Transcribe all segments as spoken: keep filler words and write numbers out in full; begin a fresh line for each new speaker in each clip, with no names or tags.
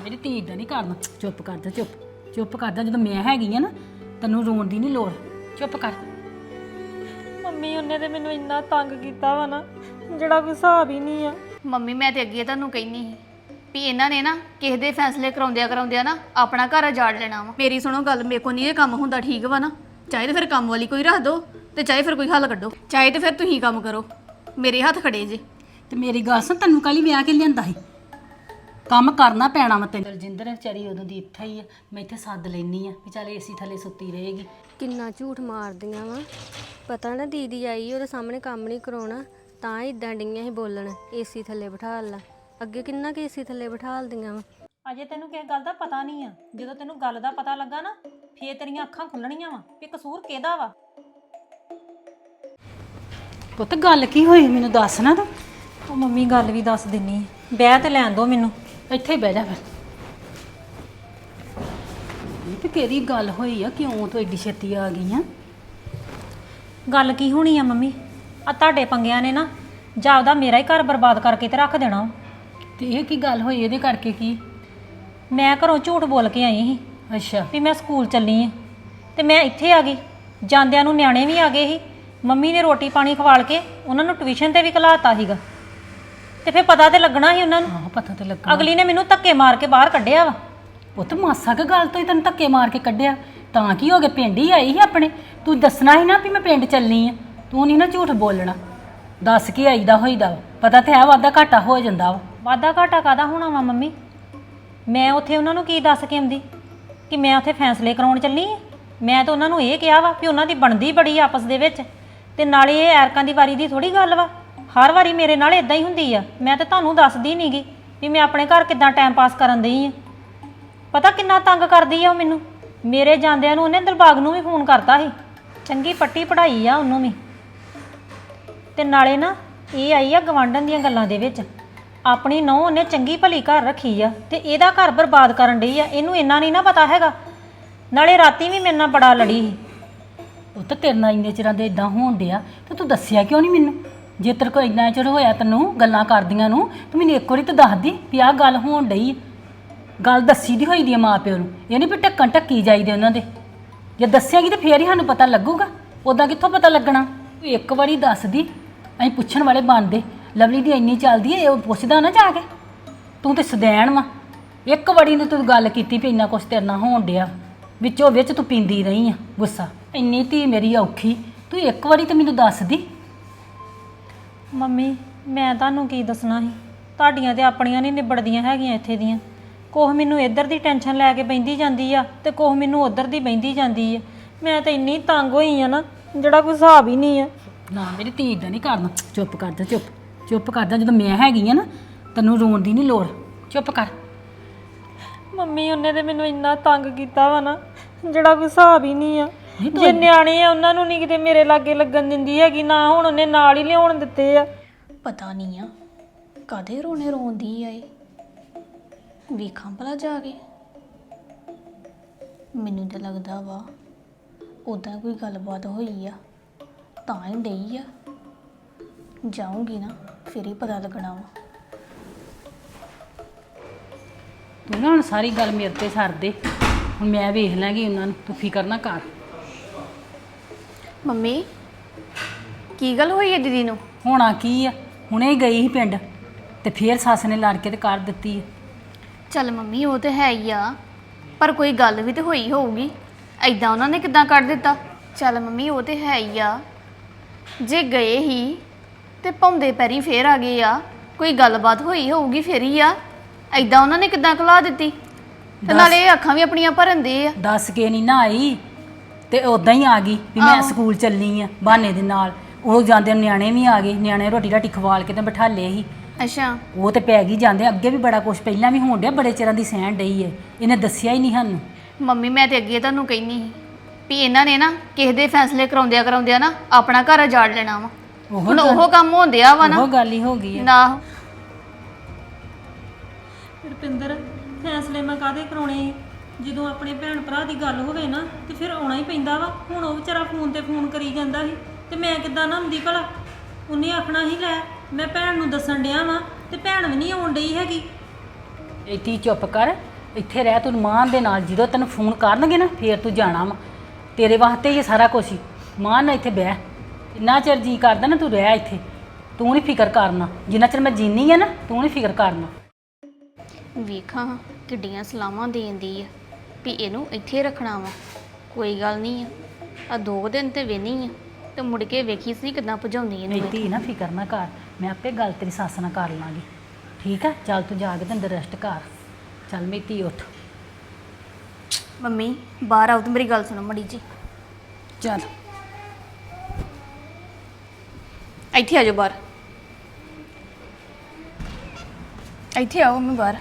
ਮੇਰੀ ਧੀ ਇਦਾਂ ਨਹੀਂ ਕਰਨਾ। ਚੁੱਪ ਕਰ ਜਾ, ਚੁੱਪ ਚੁੱਪ ਕਰ ਜਾ। ਜਦੋਂ ਮੈਂ ਹੈਗੀ ਆ ਨਾ ਤੈਨੂੰ ਰੋਣ ਦੀ ਨਹੀਂ ਲੋੜ। ਚੁੱਪ ਕਰ।
ਮੰਮੀ ਉਹਨੇ ਤੇ ਮੈਨੂੰ ਇੰਨਾ ਤੰਗ ਕੀਤਾ ਵਾ ਨਾ ਜਿਹੜਾ ਕੋਈ ਹਿਸਾਬ ਹੀ ਨਹੀਂ ਆ।
ਮੰਮੀ ਮੈਂ ਤੇ ਅੱਗੇ ਤੁਹਾਨੂੰ ਕਹਿਨੀ ਸੀ ਵੀ ਇਹਨਾਂ ਨੇ ਨਾ ਕਿਸੇ ਦੇ ਫੈਸਲੇ ਕਰਾਉਂਦਿਆਂ ਕਰਾਉਂਦਿਆਂ ਨਾ ਆਪਣਾ ਘਰ ਉਜਾੜ ਲੈਣਾ ਵਾ। ਮੇਰੀ ਸੁਣੋ ਗੱਲ, ਮੇਰੇ ਕੋ ਨਹੀਂ ਇਹ ਕੰਮ ਹੁੰਦਾ, ਠੀਕ ਵਾ ਨਾ? ਚਾਹੇ ਤੇ ਫਿਰ ਕੰਮ ਵਾਲੀ ਕੋਈ ਰੱਖ ਦੋ ਤੇ ਚਾਹੇ ਫਿਰ ਕੋਈ ਹੱਲ ਕੱਢੋ, ਚਾਹੇ ਤੇ ਫਿਰ ਤੁਸੀਂ ਕੰਮ ਕਰੋ, ਮੇਰੇ ਹੱਥ ਖੜੇ ਜੇ।
ਤੇ ਮੇਰੀ ਗੱਲ ਸੁਣ, ਤੈਨੂੰ ਕਾਲੀ ਵਿਆਹ ਕੇ ਲਿਆਂਦਾ ਸੀ? ਕੰਮ ਕਰਨਾ ਪੈਣਾ ਵਾ ਤੈਨੂੰ। ਦਲਜਿੰਦਰ ਵਿਚਾਰੀ ਉਦੋਂ ਦੀ ਇੱਥੇ ਹੀ ਆ, ਮੈਂ ਇੱਥੇ ਸੱਦ ਲੈਣੀ ਆ ਵੀ ਚੱਲ ਏਸੀ ਥੱਲੇ ਸੁੱਤੀ ਰਹੇਗੀ।
ਕਿੰਨਾ ਝੂਠ ਮਾਰਦੀਆਂ ਵਾ। ਪਤਾ ਨਾ ਦੀਦੀ ਆਈ ਉਹਦੇ ਸਾਹਮਣੇ ਕੰਮ ਨਹੀਂ ਕਰਾਉਣਾ ਤਾਂ ਇਦਾਂ ਡਈਆਂ ਸੀ ਬੋਲਣ, ਏਸੀ ਥੱਲੇ ਬਿਠਾ ਲਾ। ਅੱਗੇ ਕਿੰਨਾ ਕਿ ਏਸੀ ਥੱਲੇ ਬਿਠਾਲਦੀਆਂ ਵਾ।
ਅਜੇ ਤੈਨੂੰ ਕਿਸੇ ਗੱਲ ਦਾ ਪਤਾ ਨਹੀਂ ਆ, ਜਦੋਂ ਤੈਨੂੰ ਗੱਲ ਦਾ ਪਤਾ ਲੱਗਾ ਨਾ ਫੇਰ ਤੇਰੀਆਂ ਅੱਖਾਂ ਖੁੱਲਣੀਆਂ ਵਾ ਵੀ ਕਸੂਰ ਕਿਹਦਾ ਵਾ।
ਪੁੱਤ ਗੱਲ ਕੀ ਹੋਈ ਮੈਨੂੰ ਦੱਸ ਨਾ ਤੂੰ।
ਉਹ ਮੰਮੀ ਗੱਲ ਵੀ ਦੱਸ ਦਿੰਨੀ, ਬਹਿ ਤੇ ਲੈਣ ਦੋ ਮੈਨੂੰ।
ਇੱਥੇ ਹੀ ਬਹਿ ਜਾ ਫਿਰ। ਇਹ ਤੇ ਕਿਹੜੀ ਗੱਲ ਹੋਈ ਆ, ਕਿਉਂ ਤੂੰ ਏਡੀ ਛੇਤੀ ਆ ਗਈ ਆ?
ਗੱਲ ਕੀ ਹੋਣੀ ਆ ਮੰਮੀ, ਆ ਤੁਹਾਡੇ ਪੰਗਿਆਂ ਨੇ ਨਾ ਜਾਪਦਾ ਮੇਰਾ ਹੀ ਘਰ ਬਰਬਾਦ ਕਰਕੇ ਤੇ ਰੱਖ ਦੇਣਾ।
ਤੇ ਇਹ ਕੀ ਗੱਲ ਹੋਈ, ਇਹਦੇ ਕਰਕੇ ਕੀ?
ਮੈਂ ਘਰੋਂ ਝੂਠ ਬੋਲ ਕੇ ਆਈ ਸੀ
ਅੱਛਾ।
ਵੀ ਮੈਂ ਸਕੂਲ ਚੱਲੀ ਆ ਤੇ ਮੈਂ ਇੱਥੇ ਆ ਗਈ। ਜਾਂਦਿਆਂ ਨੂੰ ਨਿਆਣੇ ਵੀ ਆ ਗਏ ਸੀ, ਮੰਮੀ ਨੇ ਰੋਟੀ ਪਾਣੀ ਖਵਾਲ ਕੇ ਉਹਨਾਂ ਨੂੰ ਟਿਊਸ਼ਨ ਤੇ ਵੀ ਘਲਾਤਾ ਸੀਗਾ। ਤੇ ਫਿਰ ਪਤਾ ਤੇ ਲੱਗਣਾ ਸੀ ਉਹਨਾਂ ਨੂੰ।
ਹਾਂ ਪਤਾ ਤੇ ਲੱਗਾ।
ਅਗਲੀ ਨੇ ਮੈਨੂੰ ਧੱਕੇ ਮਾਰ ਕੇ ਬਾਹਰ ਕੱਢਿਆ ਵਾ।
ਪੁੱਤ ਮਾਸਾ ਕੁ ਗੱਲ ਤੋਂ ਹੀ ਤੈਨੂੰ ਧੱਕੇ ਮਾਰ ਕੇ ਕੱਢਿਆ ਤਾਂ ਕੀ ਹੋ ਗਿਆ? ਪਿੰਡ ਹੀ ਆਈ ਸੀ ਆਪਣੇ, ਤੂੰ ਦੱਸਣਾ ਸੀ ਨਾ ਵੀ ਮੈਂ ਪਿੰਡ ਚੱਲਣੀ ਆ। ਤੂੰ ਨਹੀਂ ਨਾ ਝੂਠ ਬੋਲਣਾ, ਦੱਸ ਕੇ ਆਈਦਾ ਹੋਈਦਾ ਵਾ। ਪਤਾ ਤੇ ਹੈ ਵਾਧਾ ਘਾਟਾ ਹੋ ਜਾਂਦਾ ਵਾ।
ਵਾਧਾ ਘਾਟਾ ਕਾਹਦਾ ਹੋਣਾ ਵਾ ਮੰਮੀ? ਮੈਂ ਉੱਥੇ ਉਹਨਾਂ ਨੂੰ ਕੀ ਦੱਸ ਕੇ ਆਉਂਦੀ ਕਿ ਮੈਂ ਉੱਥੇ ਫੈਸਲੇ ਕਰਾਉਣ ਚੱਲੀ ਆ? ਮੈਂ ਤਾਂ ਉਹਨਾਂ ਨੂੰ ਇਹ ਕਿਹਾ ਵਾ ਵੀ ਉਹਨਾਂ ਦੀ ਬਣਦੀ ਬੜੀ ਆਪਸ ਦੇ ਵਿੱਚ, ਤੇ ਨਾਲੇ ਇਹ ਐਰਕਾਂ ਦੀ ਵਾਰੀ ਦੀ ਥੋੜੀ ਗੱਲ ਵਾ। ਹਰ ਵਾਰੀ ਮੇਰੇ ਨਾਲ ਇਦਾਂ ਹੀ ਹੁੰਦੀ ਆ। ਮੈਂ ਤਾਂ ਤੁਹਾਨੂੰ ਦੱਸਦੀ ਨਹੀਂਗੀ ਵੀ ਮੈਂ ਆਪਣੇ ਘਰ ਕਿੱਦਾਂ ਟਾਈਮ ਪਾਸ ਕਰਨ ਦਈ ਆ। ਪਤਾ ਕਿੰਨਾ ਤੰਗ ਕਰਦੀ ਆ ਉਹ ਮੈਨੂੰ। ਮੇਰੇ ਜਾਂਦਿਆਂ ਨੂੰ ਉਹਨੇ ਦਿਲਬਾਗ ਨੂੰ ਵੀ ਫੋਨ ਕਰਤਾ ਸੀ, ਚੰਗੀ ਪੱਟੀ ਪੜ੍ਹਾਈ ਆ ਉਹਨੂੰ ਵੀ। ਤੇ ਨਾਲੇ ਨਾ ਇਹ ਆਈ ਆ ਗਵਾਂਢਣ ਦੀਆਂ ਗੱਲਾਂ ਦੇ ਵਿੱਚ, ਆਪਣੀ ਨੂੰਹ ਉਹਨੇ ਚੰਗੀ ਭਲੀ ਘਰ ਰੱਖੀ ਆ ਤੇ ਇਹਦਾ ਘਰ ਬਰਬਾਦ ਕਰਨ ਡਈ ਆ। ਇਹਨੂੰ ਇੰਨਾ ਨਹੀਂ ਨਾ ਪਤਾ ਹੈਗਾ। ਨਾਲੇ ਰਾਤੀ ਵੀ ਮੇਰੇ ਨਾਲ ਬੜਾ ਲੜੀ ਸੀ।
ਉਹ ਤਾਂ ਤੇਰੇ ਨਾਲ ਇੰਨੇ ਚਿਰਾਂ ਦੇ ਇਦਾਂ ਹੋਣ ਡਿਆ ਤੇ ਤੂੰ ਦੱਸਿਆ ਕਿਉਂ ਨਹੀਂ ਮੈਨੂੰ? ਜੇ ਤੇਰੇ ਕੋਲ ਇੰਨਾ ਚਿਰ ਹੋਇਆ ਤੈਨੂੰ ਗੱਲਾਂ ਕਰਦੀਆਂ ਨੂੰ, ਤੂੰ ਮੈਨੂੰ ਇੱਕ ਵਾਰੀ ਤਾਂ ਦੱਸਦੀ ਵੀ ਆਹ ਗੱਲ ਹੋਣ ਡਈ। ਗੱਲ ਦੱਸੀ ਦੀ ਹੋਈ ਦੀ ਆ ਮਾਂ ਪਿਓ ਨੂੰ, ਇਹ ਨਹੀਂ ਵੀ ਢੱਕਣ ਢੱਕੀ ਜਾਈਦੇ ਉਹਨਾਂ ਦੇ। ਜੇ ਦੱਸਿਆਗੀ ਤਾਂ ਫੇਰ ਹੀ ਸਾਨੂੰ ਪਤਾ ਲੱਗੂਗਾ, ਉੱਦਾਂ ਕਿੱਥੋਂ ਪਤਾ ਲੱਗਣਾ? ਤੂੰ ਇੱਕ ਵਾਰੀ ਦੱਸਦੀ, ਅਸੀਂ ਪੁੱਛਣ ਵਾਲੇ ਬਣਦੇ। ਲਵਲੀ ਦੀ ਇੰਨੀ ਚੱਲਦੀ ਹੈ, ਉਹ ਪੁੱਛਦਾ ਨਾ ਜਾ ਕੇ। ਤੂੰ ਤੇ ਸਦੈਣ ਵਾ। ਇੱਕ ਵਾਰੀ ਨੇ ਤੂੰ ਗੱਲ ਕੀਤੀ ਵੀ ਇੰਨਾ ਕੁਛ ਤੇਰੇ ਨਾਲ ਹੋਣ ਡਿਆ, ਵਿੱਚੋਂ ਵਿੱਚ ਤੂੰ ਪੀਂਦੀ ਰਹੀ ਆ ਗੁੱਸਾ। ਇੰਨੀ ਧੀ ਮੇਰੀ ਔਖੀ, ਤੂੰ ਇੱਕ ਵਾਰੀ ਤਾਂ ਮੈਨੂੰ ਦੱਸਦੀ।
ਮੰਮੀ ਮੈਂ ਤੁਹਾਨੂੰ ਕੀ ਦੱਸਣਾ ਸੀ, ਤੁਹਾਡੀਆਂ ਤੇ ਆਪਣੀਆਂ ਨਹੀਂ ਨਿਬੜਦੀਆਂ ਹੈਗੀਆਂ ਇੱਥੇ ਦੀਆਂ। ਕੋਹ ਮੈਨੂੰ ਇੱਧਰ ਦੀ ਟੈਨਸ਼ਨ ਲੈ ਕੇ ਬਹਿੰਦੀ ਜਾਂਦੀ ਆ ਤੇ ਕੋਹ ਮੈਨੂੰ ਉੱਧਰ ਦੀ ਬਹਿੰਦੀ ਜਾਂਦੀ ਆ। ਮੈਂ ਤਾਂ ਇੰਨੀ ਤੰਗ ਹੋਈ ਆ ਨਾ ਜਿਹੜਾ ਕੋਈ ਹਿਸਾਬ ਹੀ ਨਹੀਂ ਆ।
ਨਾ ਮੇਰੀ ਧੀ ਇਦਾਂ ਨਹੀਂ ਕਰਨਾ। ਚੁੱਪ ਕਰ ਜਾ, ਚੁੱਪ ਚੁੱਪ ਕਰ ਜਾ। ਜਦੋਂ ਮੈਂ ਹੈਗੀ ਆ ਨਾ ਤੈਨੂੰ ਰੋਣ ਦੀ ਨਹੀਂ ਲੋੜ। ਚੁੱਪ ਕਰ।
ਮੰਮੀ ਉਹਨੇ ਤੇ ਮੈਨੂੰ ਇੰਨਾ ਤੰਗ ਕੀਤਾ ਵਾ ਨਾ ਜਿਹੜਾ ਕੋਈ ਹਿਸਾਬ ਹੀ ਨਹੀਂ ਆ। ਜੇ ਨਿਆਣੇ ਆ ਉਹਨਾਂ ਨੂੰ ਨਹੀਂ ਕਿਤੇ ਮੇਰੇ ਲਾਗੇ ਲੱਗਣ ਦਿੰਦੀ ਹੈਗੀ, ਨਾ ਹੁਣ ਉਹਨੇ ਨਾਲ ਹੀ ਲਿਆਉਣ ਦਿੱਤੇ ਆ।
ਪਤਾ ਨਹੀਂ ਆ ਕਾਹਦੇ ਰੋਣੇ ਰੋਂਦੀ ਆ ਇਹ, ਵੇਖਾਂ ਭਲਾ ਜਾ ਕੇ। ਮੈਨੂੰ ਤਾਂ ਲੱਗਦਾ ਵਾ ਉੱਦਾਂ ਕੋਈ ਗੱਲਬਾਤ ਹੋਈ ਆ ਤਾਂ ਹੀ ਡਈ ਆ। ਜਾਊਂਗੀ ਨਾ ਫਿਰ ਹੀ ਪਤਾ ਲੱਗਣਾ ਵਾ।
ਤੂੰ ਨਾ ਹੁਣ ਸਾਰੀ ਗੱਲ ਮੇਰੇ ਤੇ ਛੱਡ ਦੇ, ਹੁਣ ਮੈਂ ਵੇਖ ਲਾਂਗੀ ਉਹਨਾਂ ਨੂੰ। ਤੂੰ ਫਿਕਰ ਨਾ ਕਰ।
ਮੰਮੀ ਕੀ ਗੱਲ ਹੋਈ ਹੈ ਦੀਦੀ ਨੂੰ?
ਹੋਣਾ ਕੀ ਆ, ਹੁਣੇ ਹੀ ਗਈ ਸੀ ਪਿੰਡ ਤੇ ਫੇਰ ਸੱਸ ਨੇ ਲੜ ਕੇ ਤੇ ਕਰ ਦਿੱਤੀ।
ਚੱਲ ਮੰਮੀ ਉਹ ਤੇ ਹੈ ਹੀ ਆ, ਪਰ ਕੋਈ ਗੱਲ ਵੀ ਤੇ ਹੋਈ ਹੋਊਗੀ। ਐਦਾਂ ਉਹਨਾਂ ਨੇ ਕਿੱਦਾਂ ਕੱਢ ਦਿੱਤਾ? ਚੱਲ ਮੰਮੀ ਉਹ ਤੇ ਹੈ ਹੀ ਆ, ਜੇ ਗਏ ਹੀ ਤੇ ਭੌਂਦੇ ਪੈਰੀ ਫੇਰ ਆ ਗਏ ਆ, ਕੋਈ ਗੱਲਬਾਤ ਹੋਈ ਹੋਊਗੀ ਫੇਰ ਹੀ ਆ। ਐਦਾਂ ਉਹਨਾਂ ਨੇ ਕਿੱਦਾਂ ਖਲਾ ਦਿੱਤੀ? ਤੇ ਨਾਲੇ ਇਹ ਅੱਖਾਂ ਵੀ ਆਪਣੀਆਂ ਭਰਨ ਦੇ ਆ।
ਦੱਸ ਕੇ ਨਹੀਂ ਨਾ ਆਈ ਤੇ ਉਦਾਂ ਹੀ ਆ ਗਈ ਵੀ ਮੈਂ ਸਕੂਲ ਚੱਲੀ ਆ ਬਹਾਨੇ ਦੇ ਨਾਲ। ਉਹ ਜਾਂਦੇ ਨਿਆਣੇ ਵੀ ਆ ਗਏ, ਨਿਆਣੇ ਰੋਟੀ ਰਾਟੀ ਖਵਾਲ ਕੇ ਤੇ ਬਿਠਾ ਲਏ ਸੀ।
ਅੱਛਾ
ਉਹ ਤੇ ਪੈ ਗਈ ਜਾਂਦੇ। ਅੱਗੇ ਵੀ ਬੜਾ ਕੁਛ ਪਹਿਲਾਂ ਵੀ ਹੋਣ ਡਿਆ, ਬੜੇ ਚਿਰਾਂ ਦੀ ਸਹਿਣ ਡਈ ਹੈ। ਇਹਨੇ ਦੱਸਿਆ ਹੀ ਨਹੀਂ ਸਾਨੂੰ।
ਮੰਮੀ ਮੈਂ ਤੇ ਅੱਗੇ ਤੁਹਾਨੂੰ ਕਹਿੰਦੀ ਸੀ ਵੀ ਇਹਨਾਂ ਨੇ ਨਾ ਕਿਸੇ ਦੇ ਫੈਸਲੇ ਕਰਾਉਂਦਿਆਂ ਕਰਾਉਂਦਿਆਂ ਨਾ ਆਪਣਾ ਘਰ ਉਜਾੜ ਲੈਣਾ ਵਾ। ਹੁਣ ਉਹ ਕੰਮ ਹੁੰਦਿਆ ਵਾ ਨਾ।
ਉਹ ਗੱਲ ਹੀ ਹੋ ਗਈ ਹੈ
ਨਾ।
ਰੁਪਿੰਦਰ ਫੈਸਲੇ ਮੈਂ ਕਾਹਦੇ ਕਰਾਉਣੇ? ਜਦੋਂ ਆਪਣੇ ਭੈਣ ਭਰਾ ਦੀ ਗੱਲ ਹੋਵੇ ਨਾ ਤੇ ਫਿਰ ਆਉਣਾ ਹੀ ਪੈਂਦਾ ਵਾ। ਹੁਣ ਉਹ ਵਿਚਾਰਾ ਫੋਨ ਤੇ ਫੋਨ ਕਰੀ ਜਾਂਦਾ ਸੀ ਤੇ ਮੈਂ ਕਿੱਦਾਂ ਨਾ ਹੁੰਦੀ ਭਲਾ? ਉਹਨੇ ਆਖਣਾ ਹੀ ਲੈ ਮੈਂ ਭੈਣ ਨੂੰ ਦੱਸਣ ਡਿਆ ਵਾਂ ਤੇ ਭੈਣ ਵੀ ਨਹੀਂ ਆਉਣ ਡਈ ਹੈਗੀ।
ਇੱਥੇ ਚੁੱਪ ਕਰ ਇੱਥੇ ਰਹਿ ਤੂੰ ਮਾਨ ਦੇ ਨਾਲ, ਜਦੋਂ ਤੈਨੂੰ ਫੋਨ ਕਰਨਗੇ ਨਾ ਫੇਰ ਤੂੰ ਜਾਣਾ ਵਾ। ਤੇਰੇ ਵਾਸਤੇ ਹੀ ਇਹ ਸਾਰਾ ਕੁਛ ਹੀ। ਮਾਨ ਨਾਲ ਇੱਥੇ ਬਹਿ, ਇੰਨਾ ਚਿਰ ਜੀ ਕਰਦਾ ਨਾ ਤੂੰ ਰਹਿ ਇੱਥੇ। ਤੂੰ ਨਹੀਂ ਫਿਕਰ ਕਰਨਾ, ਜਿੰਨਾ ਚਿਰ ਮੈਂ ਜੀਨੀ ਆ ਨਾ ਤੂੰ ਨਹੀਂ ਫਿਕਰ ਕਰਨਾ।
ਵੇਖਾਂ ਕਿੱਡੀਆਂ ਸਲਾਹਾਂ ਦੇਂਦੀ ਆ ਵੀ ਇਹਨੂੰ ਇੱਥੇ ਰੱਖਣਾ ਵਾ। ਕੋਈ ਗੱਲ ਨਹੀਂ ਆ, ਆ ਦੋ ਦਿਨ ਤੇ ਵੇਨੀ ਆ ਤੇ ਮੁੜ ਕੇ ਵੇਖੀ ਸੀ ਕਿਦਾਂ ਭਜਾਉਂਦੀ ਇਹਨੂੰ
ਮੇਰੀ
ਇੱਥੇ।
ਧੀ ਨਾ ਫਿਕਰ ਨਾ ਕਰ, ਮੈਂ ਆਪੇ ਗੱਲ ਤੇਰੀ ਸੱਸ ਨਾਲ ਕਰ ਲਾਂਗੀ, ਠੀਕ ਆ? ਚੱਲ ਤੂੰ ਜਾ ਕੇ ਤੇ ਅੰਦਰ ਰੈਸਟ ਕਰ। ਚੱਲ ਮੇਰੀ ਧੀ ਉੱਠ।
ਮੰਮੀ ਬਾਹਰ ਆਓ ਤੇ ਮੇਰੀ ਗੱਲ ਸੁਣੋ ਮੜੀ ਜੀ।
ਚੱਲ
ਇੱਥੇ ਆ ਜਾਓ ਬਾਹਰ, ਇੱਥੇ ਆਓ ਮੈਂ ਬਾਹਰ।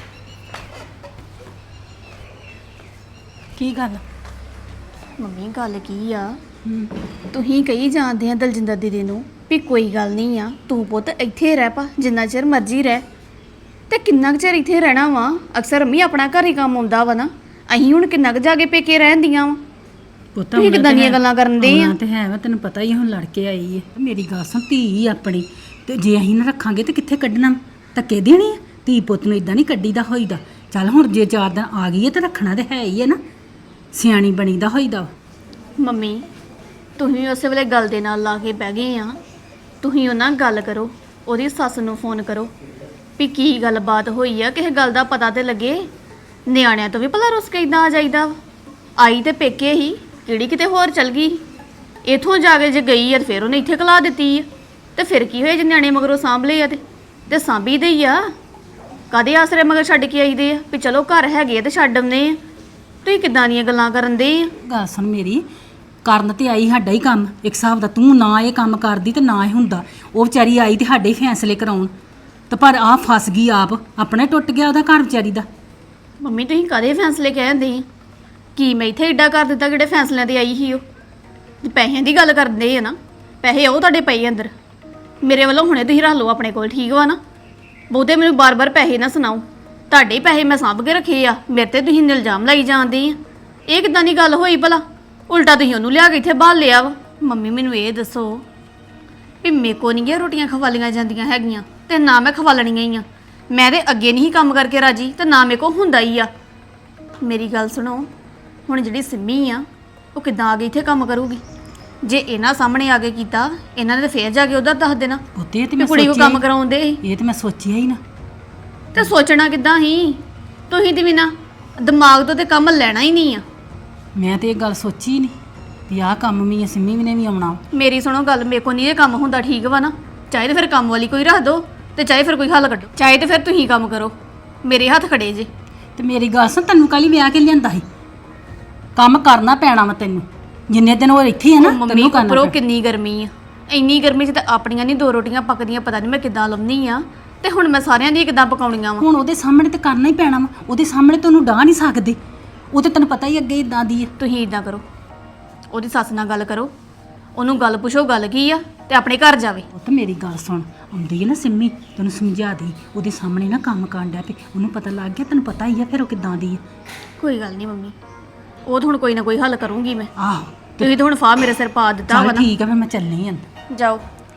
ਕੀ ਗੱਲ?
ਮੰਮੀ ਗੱਲ ਕੀ ਆ, ਤੁਸੀਂ ਕਹੀ ਜਾਂਦੇ ਆ ਦਲਜਿੰਦਰ ਦੀਦੀ ਨੂੰ ਵੀ ਕੋਈ ਗੱਲ ਨਹੀਂ ਆ, ਤੂੰ ਪੁੱਤ ਇੱਥੇ ਰਹਿ ਪਾ, ਜਿੰਨਾ ਚਿਰ ਮਰਜ਼ੀ ਰਹਿ। ਤੇ ਕਿੰਨਾ ਕੁ ਚਿਰ ਇੱਥੇ ਰਹਿਣਾ ਵਾ? ਅਕਸਰ ਮੰਮੀ ਆਪਣਾ ਘਰ ਹੀ ਕੰਮ ਆਉਂਦਾ ਵਾ ਨਾ, ਅਸੀਂ ਹੁਣ ਕਿੰਨਾ ਕੁ ਜਾ ਕੇ ਪੇਕੇ ਰਹਿੰਦੀਆਂ ਵਾ।
ਪੁੱਤ
ਤੁਸੀਂ ਕਿੱਦਾਂ ਦੀਆਂ ਗੱਲਾਂ ਕਰਨ ਦੇ ਆ?
ਤੇ ਹੈ ਵਾ, ਤੈਨੂੰ ਪਤਾ ਹੀ ਆ, ਹੁਣ ਲੜ ਕੇ ਆਈ ਹੈ। ਮੇਰੀ ਗੱਲ ਸੁਣ, ਧੀ ਆਪਣੀ ਤੇ ਜੇ ਅਸੀਂ ਨਾ ਰੱਖਾਂਗੇ ਤੇ ਕਿੱਥੇ ਕੱਢਣਾ? ਧੱਕੇ ਦੇਣੀ ਆ? ਧੀ ਪੁੱਤ ਨੂੰ ਇਦਾਂ ਨਹੀਂ ਕੱਢੀਦਾ ਹੋਈਦਾ। ਚੱਲ ਹੁਣ ਜੇ ਚਾਰ ਦਿਨ ਆ ਗਈ ਹੈ ਤੇ ਰੱਖਣਾ ਤੇ ਹੈ ਹੀ ਹੈ ਨਾ, ਸਿਆਣੀ ਬਣੀਦਾ ਹੋਈਦਾ।
ਮੰਮੀ ਤੁਸੀਂ ਉਸੇ ਵੇਲੇ ਗੱਲ ਦੇ ਨਾਲ ਲਾ ਕੇ ਬਹਿ ਗਏ ਆ। ਤੁਸੀਂ ਉਹਨਾਂ ਨਾਲ ਗੱਲ ਕਰੋ, ਉਹਦੀ ਸੱਸ ਨੂੰ ਫੋਨ ਕਰੋ ਵੀ ਕੀ ਗੱਲਬਾਤ ਹੋਈ ਆ, ਕਿਸੇ ਗੱਲ ਦਾ ਪਤਾ ਤੇ ਲੱਗੇ। ਨਿਆਣਿਆਂ ਤੋਂ ਵੀ ਭਲਾ ਰੁੱਸ ਕੇ ਇਦਾਂ ਆ ਜਾਈਦਾ ਵਾ। ਆਈ ਤੇ ਪੇਕੇ ਹੀ, ਕਿਹੜੀ ਕਿਤੇ ਹੋਰ ਚਲ ਗਈ। ਇਥੋਂ ਜਾ ਕੇ ਜੇ ਗਈ ਆ ਤੇ ਫਿਰ ਉਹਨੇ ਇੱਥੇ ਕਲਾ ਦਿੱਤੀ ਆ, ਤੇ ਫਿਰ ਕੀ ਹੋਇਆ ਜੇ ਨਿਆਣੇ ਮਗਰੋਂ ਸਾਂਭ ਲਏ ਆ ਤੇ ਤੇ ਸਾਂਭੀ ਦੇ ਹੀ ਆ। ਕਾਦੇ ਆਸਰੇ ਮਗਰ ਛੱਡ ਕੇ ਆਈਦੇ ਆ ਵੀ ਚਲੋ ਘਰ ਹੈਗੇ ਆ ਤੇ ਛੱਡ ਆਉਂਦੇ ਆ। ਤੁਸੀਂ ਕਿੱਦਾਂ ਦੀਆਂ ਗੱਲਾਂ ਕਰਨ ਦੇ ਆ?
ਗੱਲ ਸੁਣ ਮੇਰੀ, ਕਰਨ ਤੇ ਆਈ ਸਾਡਾ ਹੀ ਕੰਮ ਇੱਕ ਹਿਸਾਬ ਦਾ। ਤੂੰ ਨਾ ਇਹ ਕੰਮ ਕਰਦੀ ਤੇ ਨਾ ਇਹ ਹੁੰਦਾ। ਉਹ ਵਿਚਾਰੀ ਆਈ ਤੇ ਸਾਡੇ ਹੀ ਫੈਸਲੇ ਕਰਾਉਣ, ਤੇ ਪਰ ਆ ਫਸ ਗਈ ਆਪ, ਆਪਣੇ ਟੁੱਟ ਗਿਆ ਉਹਦਾ ਘਰ ਵਿਚਾਰੀ ਦਾ।
ਮੰਮੀ ਤੁਸੀਂ ਕਾਦੇ ਫੈਸਲੇ ਕਹਿੰਦੇ ਆ? ਕੀ ਮੈਂ ਇੱਥੇ ਏਡਾ ਕਰ ਦਿੱਤਾ ਕਿਹੜੇ ਫੈਸਲਿਆਂ ਤੇ ਆਈ ਸੀ ਉਹ? ਤੇ ਪੈਸਿਆਂ ਦੀ ਗੱਲ ਕਰਦੇ ਆ ਨਾ, ਪੈਸੇ ਉਹ ਤੁਹਾਡੇ ਪਏ ਅੰਦਰ। ਮੇਰੇ ਵੱਲੋਂ ਹੁਣੇ ਤੁਸੀਂ ਰੱਖ ਲਓ ਆਪਣੇ ਕੋਲ, ਠੀਕ ਵਾ ਨਾ? ਬਹੁਤੇ ਮੈਨੂੰ ਬਾਰ-ਬਾਰ ਪੈਸੇ ਨਾ ਸੁਣਾਓ। ਤੁਹਾਡੇ ਹੀ ਪੈਸੇ ਮੈਂ ਸਾਂਭ ਕੇ ਰੱਖੇ ਆ, ਮੇਰੇ ਤੇ ਤੁਸੀਂ ਇਲਜ਼ਾਮ ਲਾਈ ਜਾਂਦੇ ਆ। ਇਹ ਕਿੱਦਾਂ ਦੀ ਗੱਲ ਹੋਈ ਭਲਾ? ਉਲਟਾ ਤੁਸੀਂ ਉਹਨੂੰ ਲਿਆ ਕੇ ਇੱਥੇ ਬਾਲ ਲਿਆ ਵਾ। ਮੰਮੀ ਮੈਨੂੰ ਇਹ ਦੱਸੋ ਵੀ ਮੇਰੇ ਕੋ ਨਹੀਂ ਗਿਆ ਰੋਟੀਆਂ ਖਵਾਲੀਆਂ ਜਾਂਦੀਆਂ ਹੈਗੀਆਂ, ਤੇ ਨਾ ਮੈਂ ਖਵਾਲਣੀਆਂ ਹੀ ਆ। ਮੈਂ ਤੇ ਅੱਗੇ ਨਹੀਂ ਕੰਮ ਕਰਕੇ ਰਾਜੀ, ਤੇ ਨਾ ਮੇਰੇ ਕੋ ਹੁੰਦਾ ਹੀ ਆ। ਮੇਰੀ ਗੱਲ ਸੁਣੋ, ਹੁਣ ਜਿਹੜੀ ਸਿੰਮੀ ਆ ਉਹ ਕਿੱਦਾਂ ਆ ਗਈ ਇੱਥੇ ਕੰਮ ਕਰੂਗੀ? ਜੇ ਇਹਨਾਂ ਸਾਹਮਣੇ ਆ ਕੇ ਕੀਤਾ, ਇਹਨਾਂ ਨੇ ਤਾਂ ਫੇਰ ਜਾ ਕੇ ਉਧਰ ਦੱਸ ਦੇਣਾ
ਪੁੱਤੇ ਤੇ
ਵੀ
ਮੈਂ
ਕੁੜੀ ਕੋ
ਸੋਚਿਆ
ਕੰਮ
ਹੀ-
ਕਰਾਉਂਦੇ ਸੀ।
ਇਹ ਤੇ ਮੈਂ ਸੋਚਿਆ ਹੀ ਨਾ।
ਤੇ ਸੋਚਣਾ ਕਿੱਦਾਂ ਹੀ? ਤੁਸੀਂ ਤੇ ਵੀ ਨਾ ਦਿਮਾਗ ਤੋਂ ਤੇ ਕੰਮ ਲੈਣਾ ਹੀ ਨਹੀਂ ਆ।
ਮੈਂ ਤੇ ਇਹ ਗੱਲ ਸੋਚੀ ਹੀ ਨਹੀਂ ਵੀ ਆਹ ਕੰਮ ਵੀ ਸਿੰਮੀ ਵੀ ਨੇ ਵੀ ਆਉਣਾ।
ਮੇਰੀ ਸੁਣੋ ਗੱਲ, ਮੇਰੇ ਕੋ ਨਹੀਂ ਇਹ ਕੰਮ ਹੁੰਦਾ, ਠੀਕ ਵਾ ਨਾ? ਚਾਹੇ ਤੇ ਫਿਰ ਕੰਮ ਵਾਲੀ ਕੋਈ ਰੱਖ ਦੋ, ਤੇ ਚਾਹੇ ਫਿਰ ਕੋਈ ਹੱਲ ਕੱਢੋ, ਚਾਹੇ ਤੇ ਫਿਰ ਤੁਸੀਂ ਕੰਮ ਕਰੋ। ਮੇਰੇ ਹੱਥ ਖੜੇ ਜੇ।
ਤੇ ਮੇਰੀ ਗੱਲ ਸੁਣ, ਤੈਨੂੰ ਕੱਲ ਹੀ ਵਿਆਹ ਕੇ ਲਿਆਂਦਾ ਸੀ, ਕੰਮ ਕਰਨਾ ਪੈਣਾ ਵਾ ਤੈਨੂੰ। ਜਿੰਨੇ ਦਿਨ ਉਹ ਇੱਥੇ ਆ ਨਾ
ਮੰਮੀ
ਤੈਨੂੰ ਕਰਨਾ
ਉੱਪਰੋਂ
ਪੈਣਾ।
ਕਿੰਨੀ ਗਰਮੀ ਆ, ਇੰਨੀ ਗਰਮੀ 'ਚ ਤਾਂ ਆਪਣੀਆਂ ਨਹੀਂ ਦੋ ਰੋਟੀਆਂ ਪੱਕਦੀਆਂ, ਪਤਾ ਨਹੀਂ ਮੈਂ ਕਿੱਦਾਂ ਲਾਉਂਦੀ ਆ, ਤੇ ਹੁਣ ਮੈਂ ਸਾਰਿਆਂ ਦੀ ਕਿੱਦਾਂ ਪਕਾਉਣੀਆਂ ਵਾ?
ਹੁਣ ਉਹਦੇ ਸਾਹਮਣੇ ਤੇ ਕਰਨਾ ਹੀ ਪੈਣਾ ਵਾ। ਉਹਦੇ ਸਾਹਮਣੇ ਤੈਨੂੰ ਡਾਹ ਨਹੀਂ ਸਕਦੇ, ਉਹ ਤੇ ਤੈਨੂੰ ਪਤਾ ਹੀ ਅੱਗੇ ਇਦਾਂ ਦੀ ਆ।
ਤੁਸੀਂ ਇਦਾਂ ਕਰੋ, ਉਹਦੀ ਸੱਸ ਨਾਲ ਗੱਲ ਕਰੋ, ਉਹਨੂੰ ਗੱਲ ਪੁੱਛੋ ਗੱਲ ਕੀ ਆ, ਤੇ ਆਪਣੇ ਘਰ ਜਾਵੇ।
ਉਹ ਤਾਂ ਮੇਰੀ ਗੱਲ ਸੁਣ, ਆਉਂਦੀ ਹੈ ਨਾ ਸਿੰਮੀ, ਤੈਨੂੰ ਸਮਝਾ ਦੀ ਉਹਦੇ ਸਾਹਮਣੇ ਨਾ ਕੰਮ ਕਰਨ ਡਿਆ ਪਈ, ਉਹਨੂੰ ਪਤਾ ਲੱਗ ਗਿਆ, ਤੈਨੂੰ ਪਤਾ ਹੀ ਆ ਫਿਰ ਉਹ ਕਿੱਦਾਂ ਦੀ ਆ।
ਕੋਈ ਗੱਲ ਨਹੀਂ ਮੰਮੀ, ਉਹ ਤਾਂ ਹੁਣ ਕੋਈ ਨਾ ਕੋਈ ਹੱਲ ਕਰੂੰਗੀ ਮੈਂ।
ਆਹੋ
ਤੁਸੀਂ ਤਾਂ ਹੁਣ ਫਾਹ ਮੇਰੇ ਸਿਰ ਪਾ ਦਿੱਤਾ ਵਾ
ਚੱਲ
ਨਾ।
ਠੀਕ ਆ, ਫਿਰ ਮੈਂ ਚੱਲਣੀ ਆਂ।
ਜਾਓ।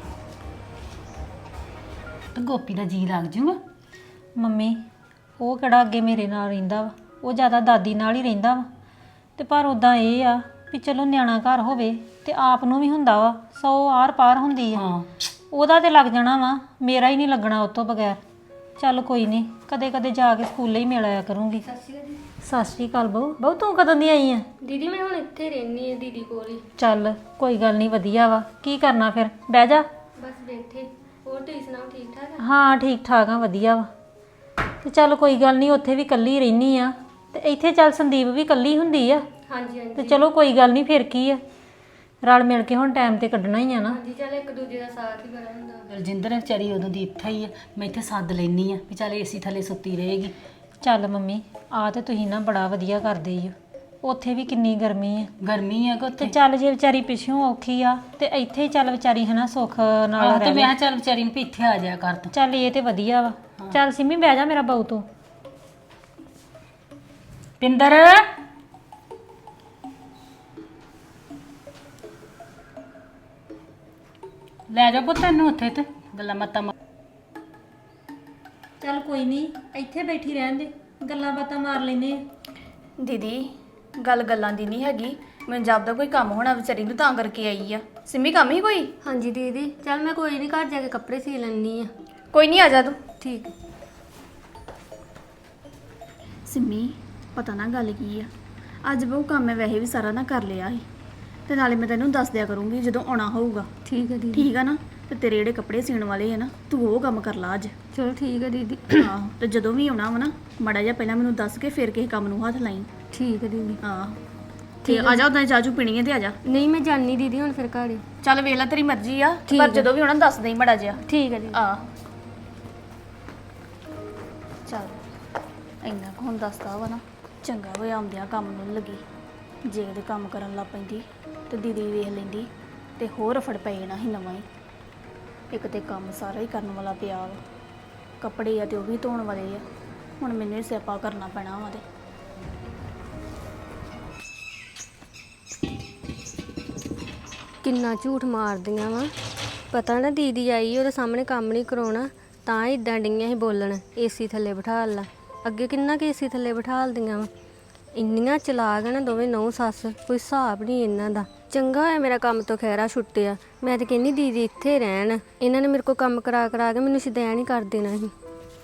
ਤੇ ਗੋਪੀ ਦਾ ਜੀ ਲੱਗ ਜੂਗਾ।
ਮੰਮੀ ਉਹ ਕਿਹੜਾ ਅੱਗੇ ਮੇਰੇ ਨਾਲ ਰਹਿੰਦਾ ਵਾ, ਉਹ ਜ਼ਿਆਦਾ ਦਾਦੀ ਨਾਲ ਹੀ ਰਹਿੰਦਾ ਵਾ। ਤੇ ਪਰ ਉਦਾਂ ਇਹ ਆ ਵੀ ਚਲੋ ਨਿਆਣਾ ਘਰ ਹੋਵੇ ਤੇ ਆਪ ਨੂੰ ਵੀ ਹੁੰਦਾ ਵਾ, ਸੌ ਆਰ ਪਾਰ ਹੁੰਦੀ ਆ।
ਹਾਂ
ਉਹਦਾ ਤੇ ਲੱਗ ਜਾਣਾ ਵਾ, ਮੇਰਾ ਹੀ ਨਹੀਂ ਲੱਗਣਾ ਉਹ ਤੋਂ ਬਗੈਰ। ਚੱਲ ਕੋਈ ਨਹੀਂ, ਕਦੇ ਕਦੇ ਜਾ ਕੇ ਸਕੂਲੇ ਹੀ ਮਿਲ ਆਇਆ ਕਰੂੰਗੀ। ਸਤਿ ਸ਼੍ਰੀ ਅਕਾਲ ਬਹੂ। ਬਹੂ ਤੂੰ ਕਦੋਂ ਦੀ ਆਈ ਆ?
ਦੀਦੀ ਮੈਂ ਹੁਣ ਇੱਥੇ ਰਹਿਣੀ ਆ ਦੀਦੀ ਕੋਲ ਹੀ।
ਚੱਲ ਕੋਈ ਗੱਲ ਨਹੀਂ, ਵਧੀਆ ਵਾ। ਕੀ ਕਰਨਾ ਫਿਰ, ਬਹਿ ਜਾ।
ਬਸ ਬੈਠੇ। ਹੋਰ ਤੁਸੀਂ ਸੁਣਾਓ, ਠੀਕ ਠਾਕ ਆ?
ਹਾਂ ਠੀਕ ਠਾਕ ਆ, ਵਧੀਆ ਵਾ। ਤੇ ਚੱਲ ਕੋਈ ਗੱਲ ਨਹੀਂ, ਉੱਥੇ ਵੀ ਇਕੱਲੀ ਰਹਿਨੀ ਆ, ਤੇ ਇੱਥੇ ਚੱਲ ਸੰਦੀਪ ਵੀ ਇਕੱਲੀ ਹੁੰਦੀ ਆ।
ਹਾਂਜੀ ਹਾਂਜੀ
ਤੇ ਚਲੋ ਕੋਈ ਗੱਲ ਨਹੀਂ, ਫਿਰ ਕੀ ਆ, ਰਲ ਮਿਲ ਕੇ ਹੁਣ ਟਾਈਮ ਤੇ ਕੱਢਣਾ ਹੀ ਆ ਨਾ।
ਹਾਂਜੀ, ਚੱਲ ਇੱਕ ਦੂਜੇ ਦਾ ਸਾਥ ਹੀ ਬੜਾ ਹੁੰਦਾ।
ਦਲਜਿੰਦਰ ਵਿਚਾਰੀ ਉਦੋਂ ਦੀ ਇੱਥੇ ਹੀ ਆ, ਮੈਂ ਇੱਥੇ ਸੱਦ ਲੈਣੀ ਆ ਵੀ ਚੱਲ ਏਸੀ ਥੱਲੇ ਸੁੱਤੀ ਰਹੇਗੀ।
ਚੱਲ ਮੰਮੀ, ਆ ਤੇ ਤੁਸੀਂ ਨਾ ਬੜਾ ਵਧੀਆ ਕਰਦੇ ਹੀ ਹੋ। ਉੱਥੇ ਵੀ ਕਿੰਨੀ ਗਰਮੀ ਆ।
ਗਰਮੀ ਆ ਕਿ
ਤੇ
ਉੱਥੇ।
ਚੱਲ ਜੇ ਵਿਚਾਰੀ ਪਿੱਛੋਂ ਔਖੀ ਆ ਤੇ ਇੱਥੇ ਹੀ ਚੱਲ ਵਿਚਾਰੀ ਹਨਾ ਸੁੱਖ ਨਾਲ
ਆਹ ਤੇ
ਰਹਿ
ਮੈਂ
ਲੈ।
ਕਿਹਾ ਚੱਲ ਵਿਚਾਰੀ ਨੂੰ ਵੀ ਇੱਥੇ ਆ ਜਾਇਆ ਕਰ ਤੂੰ।
ਚੱਲ ਇਹ ਤੇ ਵਧੀਆ ਵਾ। ਚੱਲ ਸਿੰਮੀ ਬਹਿ ਜਾ ਮੇਰਾ ਬਾਊ ਤੂੰ।
ਪਿੰਦਰ ਲੈ ਜਾ ਪੁੱਤ ਇਹਨੂੰ ਉੱਥੇ ਤੇ ਗੱਲਾਂ ਮਤਾਂ ਮਾਰ।
ਚੱਲ ਕੋਈ ਨਹੀਂ, ਇੱਥੇ ਬੈਠੀ ਰਹਿਣ ਦੇ, ਗੱਲਾਂ ਬਾਤਾਂ ਮਾਰ ਲੈਨੇ ਆ।
ਦੀਦੀ ਗੱਲ ਗੱਲਾਂ ਦੀ ਨਹੀਂ ਹੈਗੀ, ਮੈਨੂੰ ਜਾਪਦਾ ਕੋਈ ਕੰਮ ਹੋਣਾ ਵਿਚਾਰੀ ਨੂੰ ਤਾਂ ਕਰਕੇ ਆਈ ਆ। ਸਿੰਮੀ ਕੰਮ ਹੀ ਕੋਈ?
ਹਾਂਜੀ ਦੀਦੀ, ਚੱਲ ਮੈਂ ਕੋਈ ਨਹੀਂ ਘਰ ਜਾ ਕੇ ਕੱਪੜੇ ਸੀ ਲੈਣੀ ਆ।
ਕੋਈ ਨਹੀਂ, ਆ ਜਾ ਤੂੰ।
ਠੀਕ।
ਸਿੰਮੀ ਪਤਾ ਨਾ ਗੱਲ ਕੀ ਆ, ਅੱਜ ਬਹੁ ਕੰਮ ਮੈਂ ਵੈਸੇ ਵੀ ਸਾਰਾ ਨਾ ਕਰ ਲਿਆ ਸੀ, ਤੇ ਨਾਲੇ ਮੈਂ ਤੈਨੂੰ ਦੱਸ ਦਿਆ ਕਰੂੰਗੀ ਜਦੋਂ ਆਉਣਾ ਹੋਊਗਾ।
ਠੀਕ ਹੈ ਦੀਦੀ।
ਠੀਕ ਆ ਨਾ? ਤੇ ਤੇਰੇ ਜਿਹੜੇ ਕੱਪੜੇ ਸੀਣ ਵਾਲੇ ਆ ਨਾ, ਤੂੰ ਉਹ ਕੰਮ ਕਰ ਲਾ ਅੱਜ।
ਚਲੋ ਠੀਕ ਹੈ ਦੀਦੀ।
ਆਹੋ, ਤੇ ਜਦੋਂ ਵੀ ਆਉਣਾ ਵਾ ਨਾ ਮਾੜਾ ਜਿਹਾ ਪਹਿਲਾਂ ਮੈਨੂੰ ਦੱਸ ਕੇ ਫਿਰ ਕਿਸੇ ਕੰਮ ਨੂੰ ਹੱਥ ਲਾਈ।
ਠੀਕ ਹੈ ਦੀਦੀ।
ਹਾਂ ਤੇ ਆ ਜਾ, ਉਦਾਂ ਚਾਚੂ ਪੀਣੀ ਹੈ ਤੇ ਆ ਜਾ।
ਨਹੀਂ ਮੈਂ ਜਾਣੀ ਦੀਦੀ ਹੁਣ ਫਿਰ ਘਰ।
ਚੱਲ ਵੇਖ ਲੈ, ਤੇਰੀ ਮਰਜ਼ੀ ਆ,
ਠੀਕ
ਪਰ
ਆ।
ਜਦੋਂ ਵੀ ਆਉਣਾ ਦੱਸ ਦੇਈ ਮਾੜਾ ਜਿਹਾ।
ਠੀਕ ਹੈ ਦੀਦੀ।
ਆ ਚੱਲ ਇੰਨਾ ਕੁ ਹੁਣ ਦੱਸਦਾ ਵਾ ਨਾ, ਚੰਗਾ ਹੋਇਆ ਆਉਂਦਿਆਂ ਕੰਮ ਨੂੰ ਲੱਗੀ। ਜੇ ਉਹਦੇ ਕੰਮ ਕਰਨ ਲੱਗ ਪੈਂਦੀ ਤੇ ਦੀਦੀ ਵੇਖ ਲੈਂਦੀ ਤੇ ਹੋਰ ਫੜ ਪੈ ਜਾਣਾ ਸੀ ਨਵਾਂ ਹੀ। ਇੱਕ ਤੇ ਕੰਮ ਸਾਰਾ ਹੀ ਕਰਨ ਵਾਲਾ ਪਿਆ ਵਾ, ਕੱਪੜੇ ਆ ਤੇ ਉਹ ਵੀ ਧੋਣ ਵਾਲੇ ਆ, ਹੁਣ ਮੈਨੂੰ ਹੀ ਸਿਆਪਾ ਕਰਨਾ ਪੈਣਾ ਵਾ। ਤੇ
ਕਿੰਨਾ ਝੂਠ ਮਾਰਦੀਆਂ ਵਾ। ਪਤਾ ਨਾ ਦੀਦੀ ਆਈ ਉਹਦੇ ਸਾਹਮਣੇ ਕੰਮ ਨਹੀਂ ਕਰਾਉਣਾ, ਤਾਂ ਇਦਾਂ ਡਈਆਂ ਸੀ ਬੋਲਣ ਏਸੀ ਥੱਲੇ ਬਿਠਾ ਲਾ। ਅੱਗੇ ਕਿੰਨਾ ਕਿ ਏਸੀ ਥੱਲੇ ਬਿਠਾਲਦੀਆਂ ਵਾ। ਇੰਨੀਆਂ ਚਲਾਕ ਨਾ ਦੋਵੇਂ ਨੌ ਸੱਸ, ਕੋਈ ਹਿਸਾਬ ਨਹੀਂ ਇਹਨਾਂ ਦਾ। ਚੰਗਾ ਹੋਇਆ ਮੇਰਾ ਕੰਮ ਤੋਂ ਖਹਿਰਾ ਛੁੱਟਿਆ। ਮੈਂ ਤਾਂ ਕਹਿੰਦੀ ਦੀਦੀ ਇੱਥੇ ਰਹਿਣ, ਇਹਨਾਂ ਨੇ ਮੇਰੇ ਕੋਲ ਕੰਮ ਕਰਾ ਕਰਾ ਕੇ ਮੈਨੂੰ ਸ਼ੁਦੈਣ ਹੀ ਕਰ ਦੇਣਾ ਸੀ।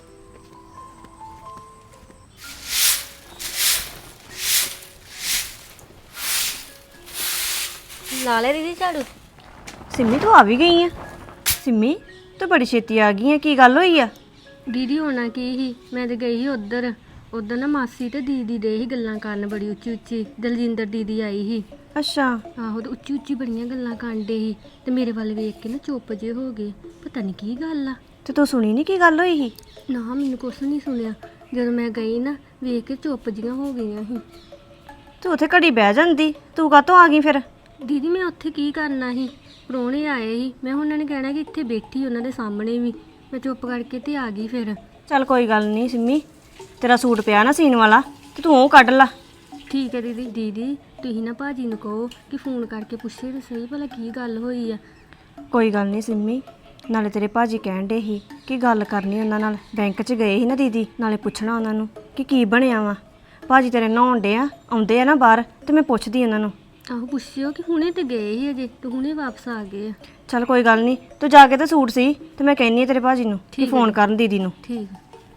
ਲਾ ਲੈ ਦੀਦੀ ਝਾੜੂ।
ਸਿੰਮੀ ਤੂੰ ਆ ਵੀ ਗਈ ਆ? ਸਿੰਮੀ ਤੂੰ ਬੜੀ ਛੇਤੀ ਆ ਗਈ ਆ, ਕੀ ਗੱਲ ਹੋਈ ਆ?
ਦੀਦੀ ਹੋਣਾ ਕੀ ਸੀ, ਮੈਂ ਤੇ ਗਈ ਸੀ ਉੱਧਰ। ਉੱਧਰ ਨਾ ਮਾਸੀ ਤੇ ਦੀਦੀ ਦੇ ਹੀ ਗੱਲਾਂ ਕਰਨ ਬੜੀ ਉੱਚੀ ਉੱਚੀ। ਦਲਜਿੰਦਰ ਦੀਦੀ ਆਈ ਸੀ।
ਅੱਛਾ।
ਆਹੋ, ਤੇ ਉੱਚੀ ਉੱਚੀ ਬੜੀਆਂ ਗੱਲਾਂ ਕਰਦੇ ਸੀ ਤੇ ਮੇਰੇ ਵੱਲ ਵੇਖ ਕੇ ਨਾ ਚੁੱਪ ਜੇ ਹੋ ਗਏ। ਪਤਾ ਨਹੀਂ ਕੀ ਗੱਲ ਆ।
ਤੇ ਤੂੰ ਸੁਣੀ ਨਹੀਂ ਕੀ ਗੱਲ ਹੋਈ ਸੀ?
ਨਾ ਮੈਨੂੰ ਕੁਛ ਨਹੀਂ ਸੁਣਿਆ। ਜਦੋਂ ਮੈਂ ਗਈ ਨਾ ਵੇਖ ਕੇ ਚੁੱਪ ਜੀਆਂ ਹੋ ਗਈਆਂ ਸੀ।
ਤੂੰ ਉੱਥੇ ਘੜੀ ਬਹਿ ਜਾਂਦੀ, ਤੂੰ ਕਾਹਤੋਂ ਆ ਗਈ ਫਿਰ?
ਦੀਦੀ ਮੈਂ ਉੱਥੇ ਕੀ ਕਰਨਾ ਸੀ, ਪ੍ਰਾਹੁਣੇ ਆਏ ਸੀ, ਮੈਂ ਉਹਨਾਂ ਨੇ ਕਹਿਣਾ ਕਿ ਇੱਥੇ ਬੈਠੀ ਉਹਨਾਂ ਦੇ ਸਾਹਮਣੇ ਵੀ। ਮੈਂ ਚੁੱਪ ਕਰਕੇ ਤੇ ਆ ਗਈ ਫਿਰ।
ਚੱਲ ਕੋਈ ਗੱਲ ਨਹੀਂ ਸਿੰਮੀ, ਤੇਰਾ ਸੂਟ ਪਿਆ ਨਾ ਸੀਨ ਵਾਲਾ ਤੇ ਤੂੰ ਉਹ ਕੱਢ ਲਾ।
ਠੀਕ ਹੈ ਦੀਦੀ। ਦੀਦੀ ਤੁਸੀਂ ਨਾ ਭਾਜੀ ਨੂੰ ਕਹੋ ਕਿ ਫੋਨ ਕਰਕੇ ਪੁੱਛੇ ਤੇ ਸਹੀ ਭਲਾ ਕੀ ਗੱਲ ਹੋਈ ਆ।
ਕੋਈ ਗੱਲ ਨਹੀਂ ਸਿੰਮੀ, ਨਾਲੇ ਤੇਰੇ ਭਾਜੀ ਕਹਿਣ ਡੇ ਸੀ ਕਿ ਗੱਲ ਕਰਨੀ ਉਹਨਾਂ ਨਾਲ। ਬੈਂਕ 'ਚ ਗਏ ਸੀ ਨਾ ਦੀਦੀ, ਨਾਲੇ ਪੁੱਛਣਾ ਉਹਨਾਂ ਨੂੰ ਕਿ ਕੀ ਬਣਿਆ ਵਾ। ਭਾਜੀ ਤੇਰੇ ਨਹਾਉਣ ਡੇ ਆ, ਆਉਂਦੇ ਆ ਨਾ ਬਾਹਰ, ਤੇ ਮੈਂ ਪੁੱਛਦੀ ਉਹਨਾਂ ਨੂੰ।
ਆਹੋ ਪੁੱਛਿਓ ਕਿ ਹੁਣੇ ਤੇ ਗਏ ਸੀ ਅਜੇ, ਤੇ ਹੁਣੇ ਵਾਪਸ ਆ ਗਏ ਆ।
ਚੱਲ ਕੋਈ ਗੱਲ ਨਹੀਂ, ਤੂੰ ਜਾ ਕੇ ਤੇ ਸੂਟ ਸੀ ਤੇ ਮੈਂ ਕਹਿੰਨੀ ਆ ਤੇਰੇ ਭਾਜੀ ਨੂੰ ਕਿ ਫੋਨ ਕਰਨ ਦੀਦੀ ਨੂੰ।
ਠੀਕ।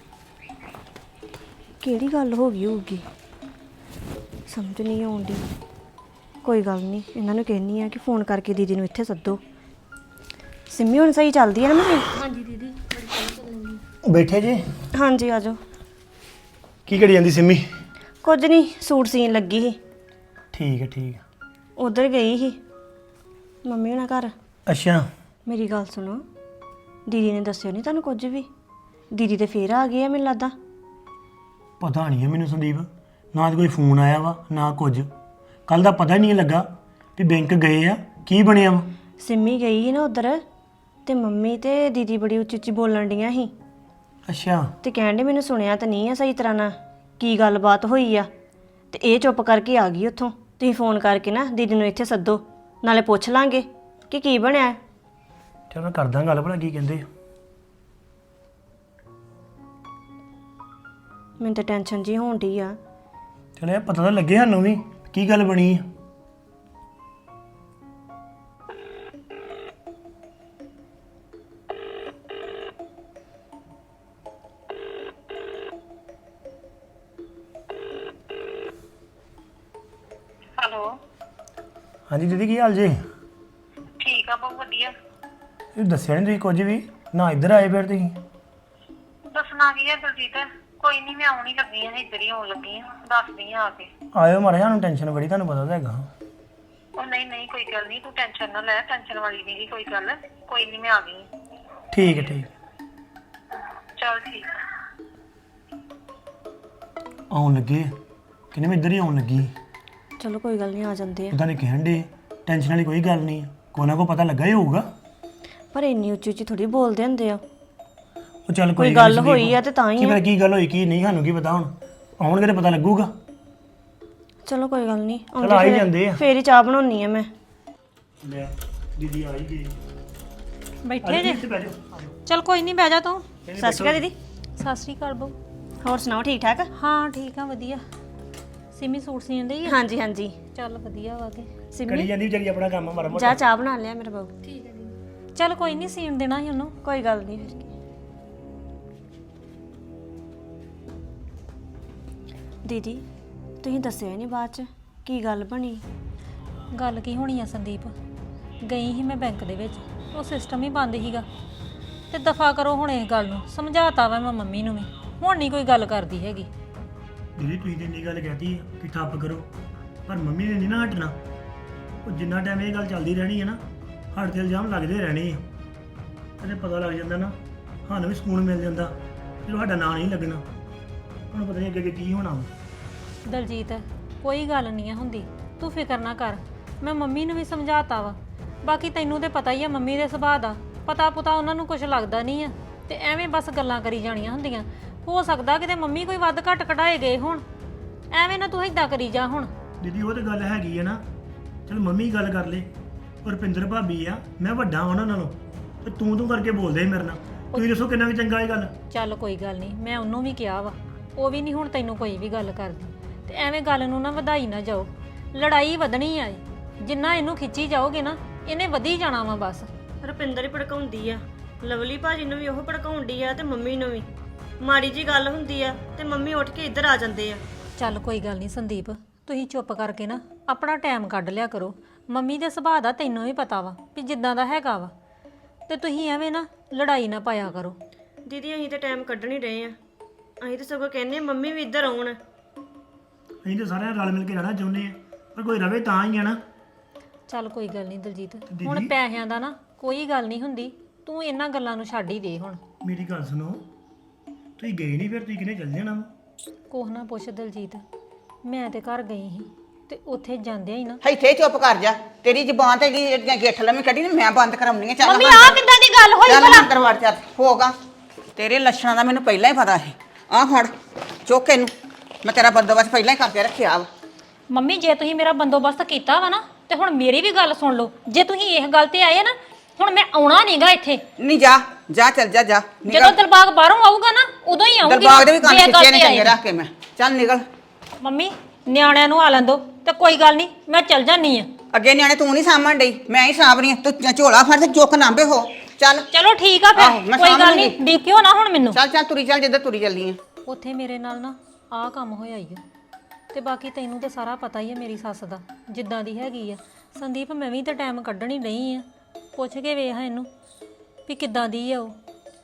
ਕਿਹੜੀ ਗੱਲ ਹੋ ਗਈ ਹੋਊਗੀ, ਸਮਝ ਨਹੀਂ ਆਉਂਦੀ। ਕੋਈ ਗੱਲ ਨਹੀਂ, ਇਹਨਾਂ ਨੂੰ ਕਹਿੰਨੀ ਆ ਕਿ ਫੋਨ ਕਰਕੇ ਦੀਦੀ ਨੂੰ ਇੱਥੇ ਸੱਦੋ। ਸਿੰਮੀ ਹੁਣ ਸਹੀ ਚੱਲਦੀ ਹੈ ਨਾ ਮੇਰੀ?
ਹਾਂਜੀ ਦੀਦੀ ਬੜੀ ਸੋਹਣੀ ਚੱਲਣੀ।
ਬੈਠੇ ਜੀ?
ਹਾਂਜੀ ਆ ਜਾਓ।
ਕੀ ਕਰੀ ਜਾਂਦੀ ਸਿੰਮੀ?
ਕੁਝ ਨਹੀਂ, ਸੂਟ ਸੀਨ ਲੱਗੀ ਸੀ।
ਠੀਕ ਹੈ ਠੀਕ ਹੈ।
ਉਧਰ ਗਈ ਸੀ ਮੰਮੀ ਹੁਣਾਂ ਘਰ।
ਅੱਛਾ।
ਮੇਰੀ ਗੱਲ ਸੁਣੋ, ਦੀਦੀ ਨੇ ਦੱਸਿਆ ਨਹੀਂ ਤੁਹਾਨੂੰ ਕੁਝ ਵੀ? ਦੀਦੀ ਤੇ ਫੇਰ ਆ ਗਏ ਆ ਮੈਨੂੰ ਲੱਗਦਾ।
ਪਤਾ ਨਹੀਂ ਹੈ ਮੈਨੂੰ ਸੰਦੀਪ, ਨਾ ਤਾਂ ਕੋਈ ਫੋਨ ਆਇਆ ਵਾ ਨਾ ਕੁਝ। ਕੱਲ ਦਾ ਪਤਾ ਹੀ ਨਹੀਂ ਲੱਗਾ ਵੀ ਬੈਂਕ ਗਏ ਆ, ਕੀ ਬਣਿਆ ਵਾ।
ਸਿੰਮੀ ਗਈ ਸੀ ਨਾ ਉਧਰ, ਤੇ ਮੰਮੀ ਤੇ ਦੀਦੀ ਬੜੀ ਉੱਚੀ ਉੱਚੀ ਬੋਲਣ ਡੀਆਂ ਸੀ।
ਅੱਛਾ।
ਤੇ ਕਹਿੰਦੇ ਮੈਨੂੰ ਸੁਣਿਆ ਤਾਂ ਨਹੀਂ ਆ ਸਹੀ ਤਰ੍ਹਾਂ ਨਾਲ ਕੀ ਗੱਲਬਾਤ ਹੋਈ ਆ। ਤੇ ਇਹ ਚੁੱਪ ਕਰਕੇ ਆ ਗਈ ਉੱਥੋਂ। ਤੁਸੀਂ ਫੋਨ ਕਰਕੇ ਨਾ ਦੀਦੀ ਨੂੰ ਇੱਥੇ ਸੱਦੋ, ਨਾਲੇ ਪੁੱਛ ਲਾਂਗੇ ਕਿ ਕੀ ਬਣਿਆ।
ਚਲ ਮੈਂ ਕਰਦਾ ਗੱਲ, ਭਲਾ ਕੀ ਕਹਿੰਦੇ।
ਮੈਨੂੰ ਤਾਂ ਟੈਨਸ਼ਨ ਜੀ ਹੋਣ ਡਈ ਆ।
ਚਲ ਇਹ ਪਤਾ ਤਾਂ ਲੱਗੇ ਸਾਨੂੰ ਵੀ ਕੀ ਗੱਲ ਬਣੀ ਆ।
ਹੈਲੋ।
ਹਾਂਜੀ ਦੀਦੀ, ਕੀ ਹਾਲ ਜੇ?
ਠੀਕ ਆ, ਬਹੁਤ ਵਧੀਆ।
ਇਹ ਦੱਸਿਆ ਨਹੀਂ ਤੁਸੀਂ ਕੁਝ ਵੀ, ਨਾ ਇੱਧਰ ਆਏ ਫਿਰ ਤੁਸੀਂ।
ਦੱਸਣਾ ਕੀ ਹੈ ਦਲਜੀਤ, ਕੋਈ ਨਹੀਂ ਮੈਂ ਆਉਣ ਹੀ ਲੱਗੀ ਆ, ਇੱਧਰ ਹੀ ਆਉਣ ਲੱਗੀ ਆ, ਦੱਸਦੀ ਆ ਆ ਕੇ।
ਆਇਓ ਮਾੜਾ, ਸਾਨੂੰ ਟੈਨਸ਼ਨ ਬੜੀ, ਤੁਹਾਨੂੰ ਪਤਾ ਤਾਂ ਹੈਗਾ।
ਉਹ ਨਹੀਂ ਨਹੀਂ ਕੋਈ ਗੱਲ ਨਹੀਂ, ਤੂੰ ਟੈਨਸ਼ਨ ਨਾ ਲੈ, ਟੈਨਸ਼ਨ ਵਾਲੀ ਨਹੀਂ ਕੋਈ ਗੱਲ। ਕੋਈ ਨਹੀਂ ਮੈਂ ਆ ਗਈ।
ਠੀਕ ਹੈ ਠੀਕ।
ਚਲ ਠੀਕ ਆ।
ਆਉਣ ਲੱਗੇ ਕਹਿੰਦੇ ਮੈਂ ਇੱਧਰ ਹੀ ਆਉਣ ਲੱਗੀ।
ਚਲੋ ਕੋਈ ਗੱਲ ਨਹੀਂ, ਆ ਜਾਂਦੇ ਆ।
ਉਹਦਾ ਨੇ ਕਹਿਣ ਦੇ ਟੈਨਸ਼ਨ ਵਾਲੀ ਕੋਈ ਗੱਲ ਨਹੀਂ, ਕੋਈ ਨਾ ਕੋਈ ਪਤਾ ਲੱਗਾ ਹੀ ਹੋਊਗਾ।
ਪਰ ਇੰਨੀ ਉੱਚੀ ਉੱਚੀ ਥੋੜੀ ਬੋਲਦੇ ਹੁੰਦੇ ਆ।
ਉਹ ਚੱਲ
ਕੋਈ
ਕੋਈ
ਗੱਲ ਹੋਈ ਆ ਤੇ ਤਾਂ ਹੀ
ਕੀ
ਆ।
ਪਤਾ ਕੀ ਗੱਲ ਹੋਈ ਕੀ ਨਹੀਂ, ਸਾਨੂੰ ਕੀ ਪਤਾ। ਹੁਣ ਆਉਣਗੇ ਤੇ ਪਤਾ ਲੱਗੂਗਾ।
ਚਲੋ ਕੋਈ ਗੱਲ ਨਹੀਂ,
ਚਲ ਆ ਹੀ ਜਾਂਦੇ ਆ।
ਫੇਰ ਹੀ ਚਾਹ ਬਣਾਉਣੀ ਆ ਮੈਂ।
ਲੈ ਦੀਦੀ ਆ ਹੀ ਗਈ।
ਬੈਠੇ ਜੇ?
ਇੱਥੇ ਬਹਿ ਜਾਓ।
ਚਲ ਕੋਈ ਨਹੀਂ, ਬਹਿ ਜਾ ਤੂੰ।
ਸਤਿ ਸ਼੍ਰੀ ਅਕਾਲ ਦੀਦੀ।
ਸਤਿ ਸ੍ਰੀ ਅਕਾਲ ਬਹੂ।
ਹੋਰ ਸੁਣਾਓ ਠੀਕ ਠਾਕ?
ਹਾਂ ਠੀਕ ਆ ਵਧੀਆ। ਸਿਮੀ ਸੂਟ ਸੀਣ ਡਈ ਆ?
ਹਾਂਜੀ ਹਾਂਜੀ।
ਚੱਲ ਵਧੀਆ ਵਾ ਕੇ।
ਕਰੀ
ਸਿੰਮੀ
ਜਾਂਦੀ ਵਿਚਾਰੀ ਆਪਣਾ ਕੰਮ ਮਾੜਾ ਮੋਟਾ।
ਜਾ ਚਾਹ ਬਣਾ ਲਿਆ ਮੇਰਾ ਬਾਬੂ।
ਚੱਲ ਕੋਈ ਨਹੀਂ ਸੀਣ ਦੇਣਾ ਸੀ ਉਹਨੂੰ।
ਕੋਈ ਗੱਲ ਨਹੀਂ ਫਿਰ ਕੀ। ਦੀਦੀ ਤੁਸੀਂ ਦੱਸਿਆ ਹੀ ਨਹੀਂ ਬਾਅਦ ਚ ਕੀ ਗੱਲ ਬਣੀ?
ਗੱਲ ਕੀ ਹੋਣੀ ਆ ਸੰਦੀਪ, ਗਈ ਸੀ ਮੈਂ ਬੈਂਕ ਦੇ ਵਿੱਚ, ਉਹ ਸਿਸਟਮ ਹੀ ਬੰਦ ਸੀਗਾ ਤੇ ਦਫਾ ਕਰੋ ਹੁਣ ਇਸ ਗੱਲ ਨੂੰ। ਸਮਝਾਤਾ ਵਾ ਮੈਂ ਮੰਮੀ ਨੂੰ ਵੀ, ਹੁਣ ਨਹੀਂ ਕੋਈ ਗੱਲ ਕਰਦੀ ਹੈਗੀ।
ਦੀਦੀ ਤੁਸੀਂ ਤੇ ਇੰਨੀ ਗੱਲ ਕਹਿਤੀ ਆ ਕਿ ਠੱਪ ਕਰੋ, ਪਰ ਮੰਮੀ ਨੇ ਨਹੀਂ ਨਾ ਹਟਣਾ। ਉਹ ਜਿੰਨਾ ਟਾਈਮ ਇਹ ਗੱਲ ਚੱਲਦੀ ਰਹਿਣੀ ਹੈ ਨਾ, ਸਾਡੇ ਤੇ ਇਲਜ਼ਾਮ ਲੱਗਦੇ ਰਹਿਣੇ ਆ। ਕਦੇ ਪਤਾ ਲੱਗ ਜਾਂਦਾ ਨਾ, ਸਾਨੂੰ ਵੀ ਸਕੂਨ ਮਿਲ ਜਾਂਦਾ ਜਦੋਂ ਸਾਡਾ ਨਾਂ ਨਹੀਂ ਲੱਗਣਾ। ਹੁਣ ਪਤਾ ਨਹੀਂ ਅੱਗੇ ਅੱਗੇ ਕੀ ਹੋਣਾ ਵਾ।
ਦਲਜੀਤ ਕੋਈ ਗੱਲ ਨਹੀਂ ਆ ਹੁੰਦੀ, ਤੂੰ ਫਿਕਰ ਨਾ ਕਰ। ਮੈਂ ਮੰਮੀ ਨੂੰ ਵੀ ਸਮਝਾਤਾ ਵਾ। ਬਾਕੀ ਤੈਨੂੰ ਤੇ ਪਤਾ ਹੀ ਆ ਮੰਮੀ ਦੇ ਸੁਭਾਅ ਦਾ, ਪਤਾ ਪੁਤਾ ਉਹਨਾਂ ਨੂੰ ਕੁਝ ਲੱਗਦਾ ਨਹੀਂ ਆ ਤੇ ਐਵੇਂ ਬਸ ਗੱਲਾਂ ਕਰੀ ਜਾਣੀਆਂ ਹੁੰਦੀਆਂ। ਹੋ ਸਕਦਾ ਕਿਤੇ ਮੰਮੀ ਕੋਈ ਵੱਧ ਘੱਟ ਕਢਾਏ ਗਏ ਹੁਣ, ਐਵੇਂ ਨਾ ਤੂੰ ਏਦਾਂ ਕਰੀ ਜਾ ਹੁਣ।
ਦੀਦੀ ਉਹ ਤੇ ਗੱਲ ਹੈਗੀ ਆ ਨਾ, ਚਲ ਮੰਮੀ ਗੱਲ ਕਰ ਲੇ, ਪਰ ਰੁਪਿੰਦਰ ਭਾਬੀ ਆ, ਮੈਂ ਵੱਡਾ ਉਹਨਾਂ ਨਾਲੋਂ, ਤੇ ਤੂੰ ਤੂੰ ਕਰਕੇ ਬੋਲਦੇ ਮੇਰੇ ਨਾਲ। ਤੁਸੀਂ ਦੱਸੋ ਕਿੰਨਾ ਕੁ ਚੰਗਾ ਇਹ ਗੱਲ?
ਚੱਲ ਕੋਈ ਗੱਲ ਨਹੀਂ, ਮੈਂ ਉਹਨੂੰ ਵੀ ਕਿਹਾ ਵਾ, ਉਹ ਵੀ ਨਹੀਂ ਹੁਣ ਤੈਨੂੰ ਕੋਈ ਵੀ ਗੱਲ ਕਰਦੀ। ਤੇ ਐਵੇਂ ਗੱਲ ਨੂੰ ਨਾ ਵਧਾਈ ਨਾ ਜਾਓ, ਲੜਾਈ ਵਧਣੀ ਆ। ਜਿੰਨਾ ਇਹਨੂੰ ਖਿੱਚੀ ਜਾਓਗੇ ਨਾ, ਇਹਨੇ ਵਧੀ ਜਾਣਾ ਵਾ ਬਸ।
ਰੁਪਿੰਦਰ ਹੀ ਭੜਕਾਉਂਦੀ ਆ, ਲਵਲੀ ਭਾਜੀ ਨੂੰ ਵੀ ਉਹ ਭੜਕਾਉਂਦੀ ਆ ਤੇ ਮੰਮੀ ਨੂੰ ਵੀ। ਮਾੜੀ ਜੀ ਗੱਲ ਹੁੰਦੀ ਆ ਤੇ ਮੰਮੀ ਉੱਠ ਕੇ ਇੱਧਰ ਆ ਜਾਂਦੇ ਆ।
ਚੱਲ ਕੋਈ ਗੱਲ ਨਹੀਂ ਸੰਦੀਪ, ਤੁਸੀਂ ਚੁੱਪ ਕਰਕੇ ਨਾ ਆਪਣਾ ਟਾਈਮ ਕੱਢ ਲਿਆ ਕਰੋ। ਮੰਮੀ ਦੇ ਸੁਭਾਅ ਦਾ ਤੈਨੂੰ ਵੀ ਪਤਾ ਵਾ ਵੀ ਜਿੱਦਾਂ ਦਾ ਹੈਗਾ ਵਾ, ਤੇ ਤੁਸੀਂ ਐਵੇਂ ਨਾ ਲੜਾਈ ਨਾ ਪਾਇਆ ਕਰੋ।
ਦੀਦੀ ਅਸੀਂ ਤਾਂ ਟਾਈਮ ਕੱਢਣ ਹੀ ਰਹੇ ਆ, ਅਸੀਂ ਤਾਂ ਸਗੋਂ ਕਹਿੰਦੇ ਆ ਮੰਮੀ ਵੀ ਇੱਧਰ ਆਉਣ।
ਅਸੀਂ ਤਾਂ ਸਾਰਿਆਂ ਰਲ ਮਿਲ ਕੇ ਰਹਿਣਾ ਚਾਹੁੰਦੇ ਆ, ਪਰ ਕੋਈ ਰਵੇ ਤਾਂ ਹੀ ਆ ਨਾ।
ਚੱਲ ਕੋਈ ਗੱਲ ਨਹੀਂ ਦਲਜੀਤ, ਹੁਣ ਪੈਸਿਆਂ ਦਾ ਨਾ ਕੋਈ ਗੱਲ ਨਹੀਂ ਹੁੰਦੀ, ਤੂੰ ਇਹਨਾਂ ਗੱਲਾਂ ਨੂੰ ਛੱਡ ਹੀ ਦੇ ਹੁਣ।
ਮੇਰੀ ਗੱਲ ਸੁਣੋ, ਤੁਸੀਂ ਗਏ ਨਹੀਂ ਫਿਰ ਤੁਸੀਂ ਕਿਹਨੇ ਚੱਲ ਜਾਣਾ ਵਾ?
ਕੋਹ ਨਾ ਪੁੱਛ ਦਲਜੀਤ, ਮੈਂ ਤੇ ਘਰ ਗਈ ਸੀ ਤੇ ਉੱਥੇ ਜਾਂਦਿਆਂ ਹੀ ਨਾ।
ਇੱਥੇ ਚੁੱਪ ਕਰ ਜਾ, ਤੇਰੀ ਜ਼ਬਾਨ ਤੇ ਜਿਹੜੀਆਂ ਗਿੱਠ ਲੰਮੀ ਕੱਢੀ ਨੇ ਮੈਂ ਬੰਦ ਕਰਾਉਣੀ ਆ। ਚੱਲ
ਮੰਮੀ ਆਹ ਕਿੱਦਾਂ ਦੀ ਗੱਲ ਹੋਈ
ਚੱਲ
ਭਲਾ?
ਅੰਦਰ ਵੜ ਚੱਲ ਹੋਗਾ। ਤੇਰੇ ਲੱਛਣਾਂ ਦਾ ਮੈਨੂੰ ਪਹਿਲਾਂ ਹੀ ਪਤਾ ਸੀ। ਆਹ ਫੜ ਚੁੱਕ ਇਹਨੂੰ, ਮੈਂ ਤੇਰਾ ਬੰਦੋਬਸਤ ਪਹਿਲਾਂ ਹੀ ਕਰਕੇ ਰੱਖਿਆ ਵਾ।
ਮੰਮੀ ਜੇ ਤੁਸੀਂ ਮੇਰਾ ਬੰਦੋਬਸਤ ਕੀਤਾ ਵਾ ਨਾ, ਤੇ ਹੁਣ ਮੇਰੀ ਵੀ ਗੱਲ ਸੁਣ ਲਓ। ਜੇ ਤੁਸੀਂ ਇਸ ਗੱਲ ਤੇ ਆਏ ਨਾ, ਹੁਣ ਮੈਂ ਆਉਣਾ ਨਹੀਂਗਾ ਇੱਥੇ।
ਨਹੀਂ ਜਾ ਜਾ ਚੱਲ ਜਾ ਜਾ
ਜਦੋਂ ਦਿਲਬਾਗ ਬਾਹਰੋਂ ਆਊਗਾ ਨਾ, ਉਦੋਂ ਹੀ ਆਉਂਗੀ।
ਦਿਲਬਾਗ ਦੇ ਵੀ ਕੰਨ ਖਿੱਚੇ ਨੇ ਚੰਗੇ ਰੱਖ ਕੇ। ਮੈਂ ਚੱਲ ਨਿਕਲ।
ਮੰਮੀ ਨਿਆਣਿਆਂ ਨੂੰ ਆ ਲੈਂਦੋ ਤੇ ਕੋਈ ਗੱਲ ਨਹੀਂ, ਮੈਂ ਚੱਲ ਜਾਨੀ ਆ।
ਅੱਗੇ ਨਿਆਣੇ ਤੂੰ ਨਹੀਂ ਸਾਂਭਣ ਡਈ, ਮੈਂ ਹੀ ਸਾਂਭ ਰਹੀ ਆ। ਤੂੰ ਝੋਲਾ ਫੜ ਤੇ ਚੁੱਕ ਨਾਂਬੇ ਹੋ। ਚੱਲ
ਚਲੋ ਠੀਕ ਆ
ਆਹੋ,
ਫਿਰ,
ਮੈਂ
ਕੋਈ
ਸਾਂਭ
ਗੱਲ
ਲੂੰਗੀ।
ਨਹੀਂ, ਡਿੱਕਿਓ ਨਾ ਹੁਣ ਮੈਨੂੰ।
ਚੱਲ ਚੱਲ ਤੁਰੀ ਚੱਲ ਜਿੱਧਰ ਤੁਰੀ ਚੱਲਦੀ ਆ।
ਉੱਥੇ ਮੇਰੇ ਨਾਲ ਨਾ ਆਹ ਕੰਮ ਹੋਇਆ ਹੀ ਆ, ਤੇ ਬਾਕੀ ਤੈਨੂੰ ਤਾਂ ਸਾਰਾ ਪਤਾ ਹੀ ਹੈ ਮੇਰੀ ਸੱਸ ਦਾ ਜਿੱਦਾਂ ਦੀ ਹੈਗੀ ਆ। ਸੰਦੀਪ ਮੈਂ ਵੀ ਤਾਂ ਟਾਈਮ ਕੱਢਣ ਹੀ ਨਹੀਂ ਆ, ਪੁੱਛ ਕੇ ਵੇਖ ਇਹਨੂੰ ਵੀ ਕਿੱਦਾਂ ਦੀ ਆ ਉਹ।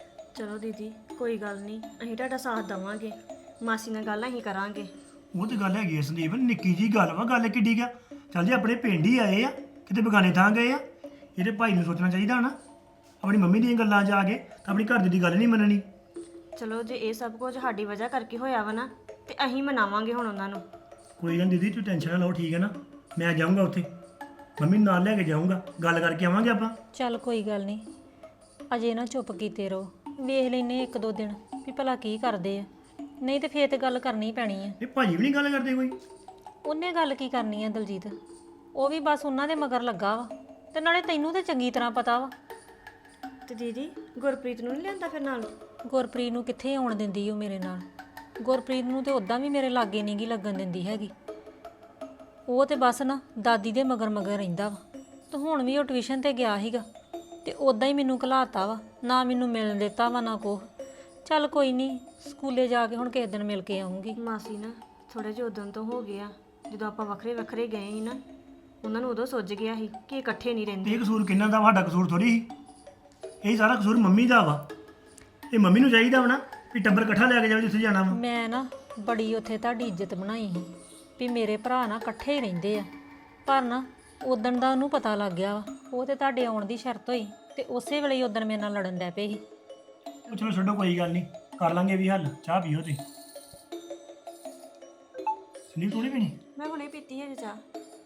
ਚਲੋ ਦੀਦੀ ਕੋਈ ਗੱਲ ਨਹੀਂ, ਅਸੀਂ ਤੁਹਾਡਾ ਸਾਥ ਦੇਵਾਂਗੇ। ਮਾਸੀ ਨਾਲ ਗੱਲ ਅਸੀਂ ਕਰਾਂਗੇ।
ਉਹ ਤੇ ਗੱਲ ਹੈਗੀ ਆ ਸੰਦੀਪ, ਨਿੱਕੀ ਜੀ ਗੱਲ ਵਾ, ਗੱਲ ਕਿੱਡੀ ਆ। ਚੱਲ ਜੇ ਆਪਣੇ ਪਿੰਡ ਹੀ ਆਏ ਆ, ਕਿਤੇ ਬਗਾਨੇ ਥਾਂ ਗਏ ਆ, ਇਹਦੇ ਭਾਈ ਨੂੰ ਸੋਚਣਾ ਚਾਹੀਦਾ ਨਾ। ਆਪਣੀ ਮੰਮੀ ਦੀਆਂ ਗੱਲਾਂ 'ਚ ਆ ਕੇ ਤਾਂ ਆਪਣੀ ਘਰ ਦੀ ਗੱਲ ਨਹੀਂ ਮੰਨਣੀ।
ਚਲੋ ਜੇ ਇਹ ਸਭ ਕੁਝ ਸਾਡੀ ਵਜ੍ਹਾ ਕਰਕੇ ਹੋਇਆ ਵਾ ਨਾ, ਤੇ ਅਸੀਂ ਮਨਾਵਾਂਗੇ ਹੁਣ ਉਹਨਾਂ ਨੂੰ।
ਕੋਈ ਗੱਲ ਦੀਦੀ, ਤੂੰ ਟੈਨਸ਼ਨ ਨਾ ਲਓ, ਠੀਕ ਹੈ ਨਾ? ਮੈਂ ਜਾਊਂਗਾ ਉੱਥੇ, ਮੰਮੀ ਨੂੰ ਨਾਲ ਲੈ ਕੇ ਜਾਊਂਗਾ, ਗੱਲ ਕਰਕੇ ਆਵਾਂਗੇ ਆਪਾਂ।
ਚੱਲ ਕੋਈ ਗੱਲ ਨਹੀਂ, ਅਜੇ ਨਾ ਚੁੱਪ ਕੀਤੇ ਰਹੋ, ਵੇਖ ਲੈਨੇ ਇੱਕ ਦੋ ਦਿਨ ਵੀ ਭਲਾ ਕੀ ਕਰਦੇ ਆ, ਨਹੀਂ ਤੇ ਫੇਰ ਤੇ ਗੱਲ ਕਰਨੀ ਪੈਣੀ ਆ।
ਇਹ ਭਾਜੀ ਵੀ ਨਹੀਂ ਗੱਲ ਕਰਦੇ ਕੋਈ?
ਉਹਨੇ ਗੱਲ ਕੀ ਕਰਨੀ ਆ ਦਲਜੀਤ, ਉਹ ਵੀ ਬਸ ਉਹਨਾਂ ਦੇ ਮਗਰ ਲੱਗਾ ਵਾ, ਤੇ ਨਾਲੇ ਤੈਨੂੰ ਤੇ ਚੰਗੀ ਤਰ੍ਹਾਂ ਪਤਾ ਵਾ।
ਤੇ ਦੀਦੀ ਗੁਰਪ੍ਰੀਤ ਨੂੰ ਨਹੀਂ ਲਿਆਂਦਾ ਫਿਰ ਨਾਲ?
ਗੁਰਪ੍ਰੀਤ ਨੂੰ ਕਿੱਥੇ ਆਉਣ ਦਿੰਦੀ ਉਹ ਮੇਰੇ ਨਾਲ। ਗੁਰਪ੍ਰੀਤ ਨੂੰ ਤੇ ਉਦਾਂ ਵੀ ਮੇਰੇ ਲਾਗੇ ਨਹੀਂ ਗੀ ਲੱਗਣ ਦਿੰਦੀ ਹੈਗੀ। ਉਹ ਤੇ ਬਸ ਨਾ ਦਾਦੀ ਦੇ ਮਗਰ ਮਗਰ ਰਹਿੰਦਾ ਵਾ। ਤੇ ਹੁਣ ਵੀ ਉਹ ਟਿਊਸ਼ਨ ਤੇ ਗਿਆ ਸੀਗਾ ਤੇ ਉਦਾਂ ਹੀ ਮੈਨੂੰ ਘਲਾਤਾ ਵਾ, ਨਾ ਮੈਨੂੰ ਮਿਲਣ ਦਿੱਤਾ ਵਾ ਨਾ ਕੁਛ। ਚੱਲ ਕੋਈ ਨਹੀਂ, ਸਕੂਲੇ ਜਾ ਕੇ ਹੁਣ ਕਿਸੇ ਦਿਨ ਮਿਲ ਕੇ ਆਉਂਗੀ।
ਮਾਸੀ ਨਾ ਥੋੜੇ ਜਿਹੇ ਉਦੋਂ ਤੋਂ ਹੋ ਗਿਆ, ਜਦੋਂ ਆਪਾਂ ਵੱਖਰੇ ਵੱਖਰੇ ਗਏ ਸੀ ਨਾ, ਉਹਨਾਂ ਨੂੰ ਉਦੋਂ ਸੁੱਝ ਗਿਆ ਸੀ ਕਿ ਇਕੱਠੇ ਨਹੀਂ ਰਹਿੰਦੇ।
ਇਹ ਕਸੂਰ ਕਿੰਨਾ ਦਾ? ਸਾਡਾ ਕਸੂਰ ਥੋੜੀ ਸੀ, ਇਹ ਸਾਰਾ ਕਸੂਰ ਮੰਮੀ ਦਾ ਵਾ। ਇਹ ਮੰਮੀ ਨੂੰ ਚਾਹੀਦਾ ਵਾ ਨਾ ਵੀ ਟੱਬਰ ਇਕੱਠਾ ਲੈ ਕੇ ਜਾਵੇ ਜਿੱਥੇ ਜਾਣਾ ਵਾ।
ਮੈਂ ਨਾ ਬੜੀ ਉੱਥੇ ਤੁਹਾਡੀ ਇੱਜ਼ਤ ਬਣਾਈ ਸੀ ਵੀ ਮੇਰੇ ਭਰਾ ਨਾ ਇਕੱਠੇ ਹੀ ਰਹਿੰਦੇ ਆ, ਪਰ ਨਾ ਉਦਣ ਦਾ ਉਹਨੂੰ ਪਤਾ ਲੱਗ ਗਿਆ ਵਾ। ਉਹ ਤੇ ਤੁਹਾਡੇ ਆਉਣ ਦੀ ਸ਼ਰਤ ਹੋਈ ਤੇ ਉਸੇ ਵੇਲੇ ਹੀ ਉਦਣ ਮੇਰੇ ਨਾਲ ਲੜਨ ਲੱਗ ਪਏ ਸੀ।
ਉਹ ਚਲੋ ਛੱਡੋ, ਕੋਈ ਗੱਲ ਨਹੀਂ, ਕਰ ਲਾਂਗੇ ਵੀ ਹੱਲ। ਚਾਹ ਪੀਓ ਤੁਸੀਂ। ਸੰਦੀਪ ਥੋੜੀ ਪੀਣੀ?
ਮੈਂ ਹੁਣੇ ਪੀਤੀ ਹੈ ਚਾਹ।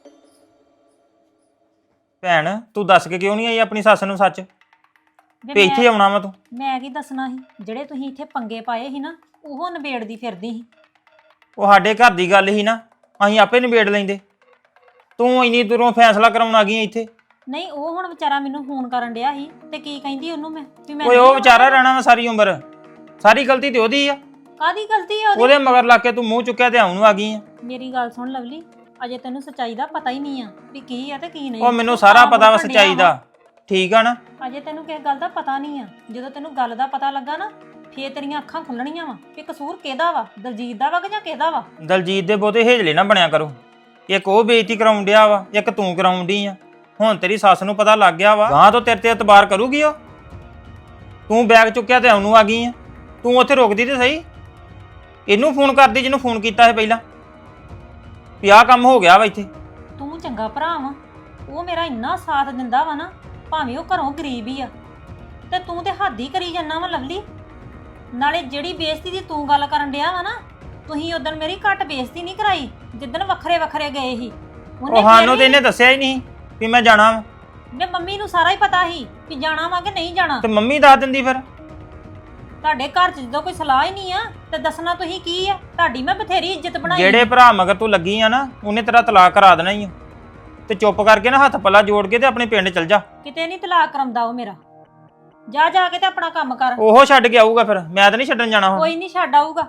ਭੈਣ ਤੂੰ ਦੱਸ ਕੇ ਕਿਉਂ ਨਹੀਂ ਆਈ ਆਪਣੀ ਸੱਸ ਨੂੰ ਸੱਚ ਵੀ ਇੱਥੇ ਆਉਣਾ ਵਾ ਤੂੰ?
ਮੈਂ ਕੀ ਦੱਸਣਾ ਸੀ, ਜਿਹੜੇ ਤੁਸੀਂ ਇੱਥੇ ਪੰਗੇ ਪਾਏ ਸੀ ਨਾ, ਉਹ ਨਿਬੇੜਦੀ ਫਿਰਦੀ ਸੀ।
ਉਹ ਸਾਡੇ ਘਰ ਦੀ ਗੱਲ ਹੀ ਨਾ, ਅਸੀਂ ਆਪੇ ਨਿਬੇੜ ਲੈਂਦੇ। ਤੂੰ ਇੰਨੀ ਦੂਰੋਂ ਫੈਸਲਾ ਕਰਾਉਣ ਆ ਗਈ ਇੱਥੇ।
ਨਹੀਂ ਉਹ ਹੁਣ ਵਿਚਾਰਾ ਮੈਨੂੰ ਫੋਨ ਕਰਨ ਡਿਆ ਸੀ ਤੇ ਕੀ ਕਹਿੰਦੀ ਉਹਨੂੰ ਮੈਂ ਵੀ ਮੈਂ
ਓਏ ਉਹ ਵਿਚਾਰਾ ਰਹਿਣਾ ਵਾ ਸਾਰੀ ਉਮਰ, ਸਾਰੀ ਗਲਤੀ ਤੇ ਉਹਦੀ ਆ।
ਕਾਦੀ ਗਲਤੀ ਆ ਉਹਦੀ?
ਉਹਦੇ ਮਗਰ ਲੱਗ ਕੇ ਤੂੰ ਮੂੰਹ ਚੁੱਕਿਆ ਤੇ ਆਉਣ ਨੂੰ ਆ ਗਈ ਆ।
ਮੇਰੀ ਗੱਲ ਸੁਣ ਲਵਲੀ, ਅਜੇ ਤੈਨੂੰ ਸੱਚਾਈ ਦਾ ਪਤਾ ਹੀ ਨਹੀਂ ਆ ਵੀ ਕੀ ਆ ਤੇ ਕੀ ਨਹੀਂ।
ਉਹ ਮੈਨੂੰ ਸਾਰਾ ਪਤਾ ਵਾ ਸੱਚਾਈ ਦਾ, ਠੀਕ ਆ ਨਾ।
ਅਜੇ ਤੈਨੂੰ ਕਿਸੇ ਗੱਲ ਦਾ ਪਤਾ ਨਹੀਂ ਆ। ਜਦੋਂ ਤੈਨੂੰ ਗੱਲ ਦਾ ਪਤਾ ਲੱਗਾ ਨਾ ਫੇਰ ਤੇਰੀਆਂ ਅੱਖਾਂ ਖੁੱਲਣੀਆਂ ਵਾ ਕਿ ਕਸੂਰ ਕਿਹਦਾ ਵਾ, ਦਲਜੀਤ ਦਾ ਵਾ ਕਿ ਜਾਂ ਕਿਹਦਾ ਵਾ।
ਦਲਜੀਤ ਦੇ ਬਹੁਤੇ ਹੇਜਲੇ ਨਾ ਬਣਿਆ ਕਰੋ। ਇੱਕ ਉਹ ਬੇਇੱਜ਼ਤੀ ਕਰਾਉਣ ਡਿਆ ਵਾ, ਇੱਕ ਤੂੰ ਕਰਾਉਣ ਡਈ ਆ। ਹੁਣ ਤੇਰੀ ਸੱਸ ਨੂੰ ਪਤਾ ਲੱਗ ਗਿਆ ਵਾ, ਗਾਂ ਤੋਂ ਤੇਰੇ ਤੇ ਇਤਬਾਰ ਕਰੂਗੀ ਉਹ। ਤੂੰ ਬੈਗ ਚੁੱਕਿਆ ਤੇ ਆਉਣ ਨੂੰ ਆ ਗਈ ਆ। ਤੂੰ ਉੱਥੇ ਰੁਕਦੀ ਤੇ ਸਹੀ, ਇਹਨੂੰ ਫੋਨ ਕਰਦੀ ਜਿਹਨੂੰ ਫੋਨ ਕੀਤਾ ਸੀ ਪਹਿਲਾਂ ਵੀ ਆਹ ਕੰਮ ਹੋ ਗਿਆ ਵਾ ਇੱਥੇ।
ਤੂੰ ਚੰਗਾ ਭਰਾ ਵਾ, ਉਹ ਮੇਰਾ ਇੰਨਾ ਸਾਥ ਦਿੰਦਾ ਵਾ ਨਾ, ਭਾਵੇਂ ਉਹ ਘਰੋਂ ਗਰੀਬ ਹੀ ਆ, ਤੇ ਤੂੰ ਤੇ ਹੱਦ ਹੀ ਕਰੀ ਜਾਂਦਾ ਵਾ ਲਵਲੀ। ਨਾਲੇ ਜਿਹੜੀ ਬੇਇੱਜ਼ਤੀ ਦੀ ਤੂੰ ਗੱਲ ਕਰਨ ਡਿਆ ਵਾ ਨਾ, ਤੁਸੀਂ ਉਦੋਂ ਮੇਰੀ ਘੱਟ ਬੇਇੱਜ਼ਤੀ ਨਹੀਂ ਕਰਾਈ ਜਿੱਦਣ ਵੱਖਰੇ ਵੱਖਰੇ ਗਏ ਸੀ।
ਉਹ ਸਾਨੂੰ ਤੇ ਇਹਨੇ ਦੱਸਿਆ ਹੀ ਨਹੀਂ ਵੀ ਮੈਂ ਜਾਣਾ ਵਾ।
ਵੇ ਮੰਮੀ ਨੂੰ ਸਾਰਾ ਹੀ ਪਤਾ ਸੀ ਵੀ ਜਾਣਾ ਵਾ ਕਿ ਨਹੀਂ ਜਾਣਾ।
ਤੇ ਮੰਮੀ ਦੱਸ ਦਿੰਦੀ ਫਿਰ।
ਤੁਹਾਡੇ ਘਰ 'ਚ ਜਦੋਂ ਕੋਈ ਸਲਾਹ ਹੀ ਨਹੀਂ ਆ ਤੇ ਦੱਸਣਾ ਤੁਸੀਂ ਕੀ ਆ? ਤੁਹਾਡੀ ਮੈਂ ਬਥੇਰੀ ਇੱਜ਼ਤ ਬਣਾਈ।
ਜਿਹੜੇ ਭਰਾ ਮਗਰ ਤੂੰ ਲੱਗੀ ਆ ਨਾ, ਉਹਨੇ ਤੇਰਾ ਤਲਾਕ ਕਰਾ ਦੇਣਾ ਹੀ ਆ। ਤੇ ਚੁੱਪ ਕਰਕੇ ਨਾ ਹੱਥ ਪੱਲਾ ਜੋੜ ਕੇ ਤੇ ਆਪਣੇ ਪਿੰਡ ਚਲ ਜਾ।
ਕਿਤੇ ਨਹੀਂ ਤਲਾਕ ਕਰਾਉਂਦਾ ਉਹ ਮੇਰਾ। ਜਾ ਜਾ ਕੇ ਤੇ ਆਪਣਾ ਕੰਮ ਕਰ।
ਉਹ ਛੱਡ ਕੇ ਆਊਗਾ ਫਿਰ, ਮੈਂ ਤਾਂ ਨਹੀਂ ਛੱਡਣ ਜਾਣਾ ਹੁਣ।
ਕੋਈ ਨਹੀਂ ਛੱਡ ਆਊਗਾ।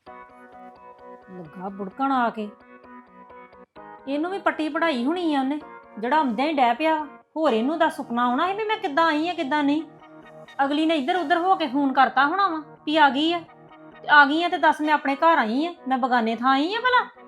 ਲੱਗਾ ਬੁੜਕਣ ਆ ਕੇ। ਇਹਨੂੰ ਵੀ ਪੱਟੀ ਪੜਾਈ ਹੋਣੀ ਆ ਉਹਨੇ, ਜਿਹੜਾ ਆਉਂਦਿਆਂ ਹੀ ਡੈ ਪਿਆ। ਹੋਰ ਇਹਨੂੰ ਦਾ ਸੁਪਨਾ ਆਉਣਾ ਸੀ ਵੀ ਮੈਂ ਕਿੱਦਾਂ ਆਈ ਆ ਕਿੱਦਾਂ ਨਹੀਂ। ਅਗਲੀ ਨੇ ਇੱਧਰ ਉੱਧਰ ਹੋ ਕੇ ਫੋਨ ਕਰਤਾ ਹੋਣਾ ਵਾ ਵੀ ਆ ਗਈ ਆ। ਆ ਗਈ ਆ ਤੇ ਦੱਸ ਮੈਂ ਆਪਣੇ ਘਰ ਆਈ ਆ, ਮੈਂ ਬਗਾਨੇ ਥਾਂ ਆਈ ਆ ਭਲਾ।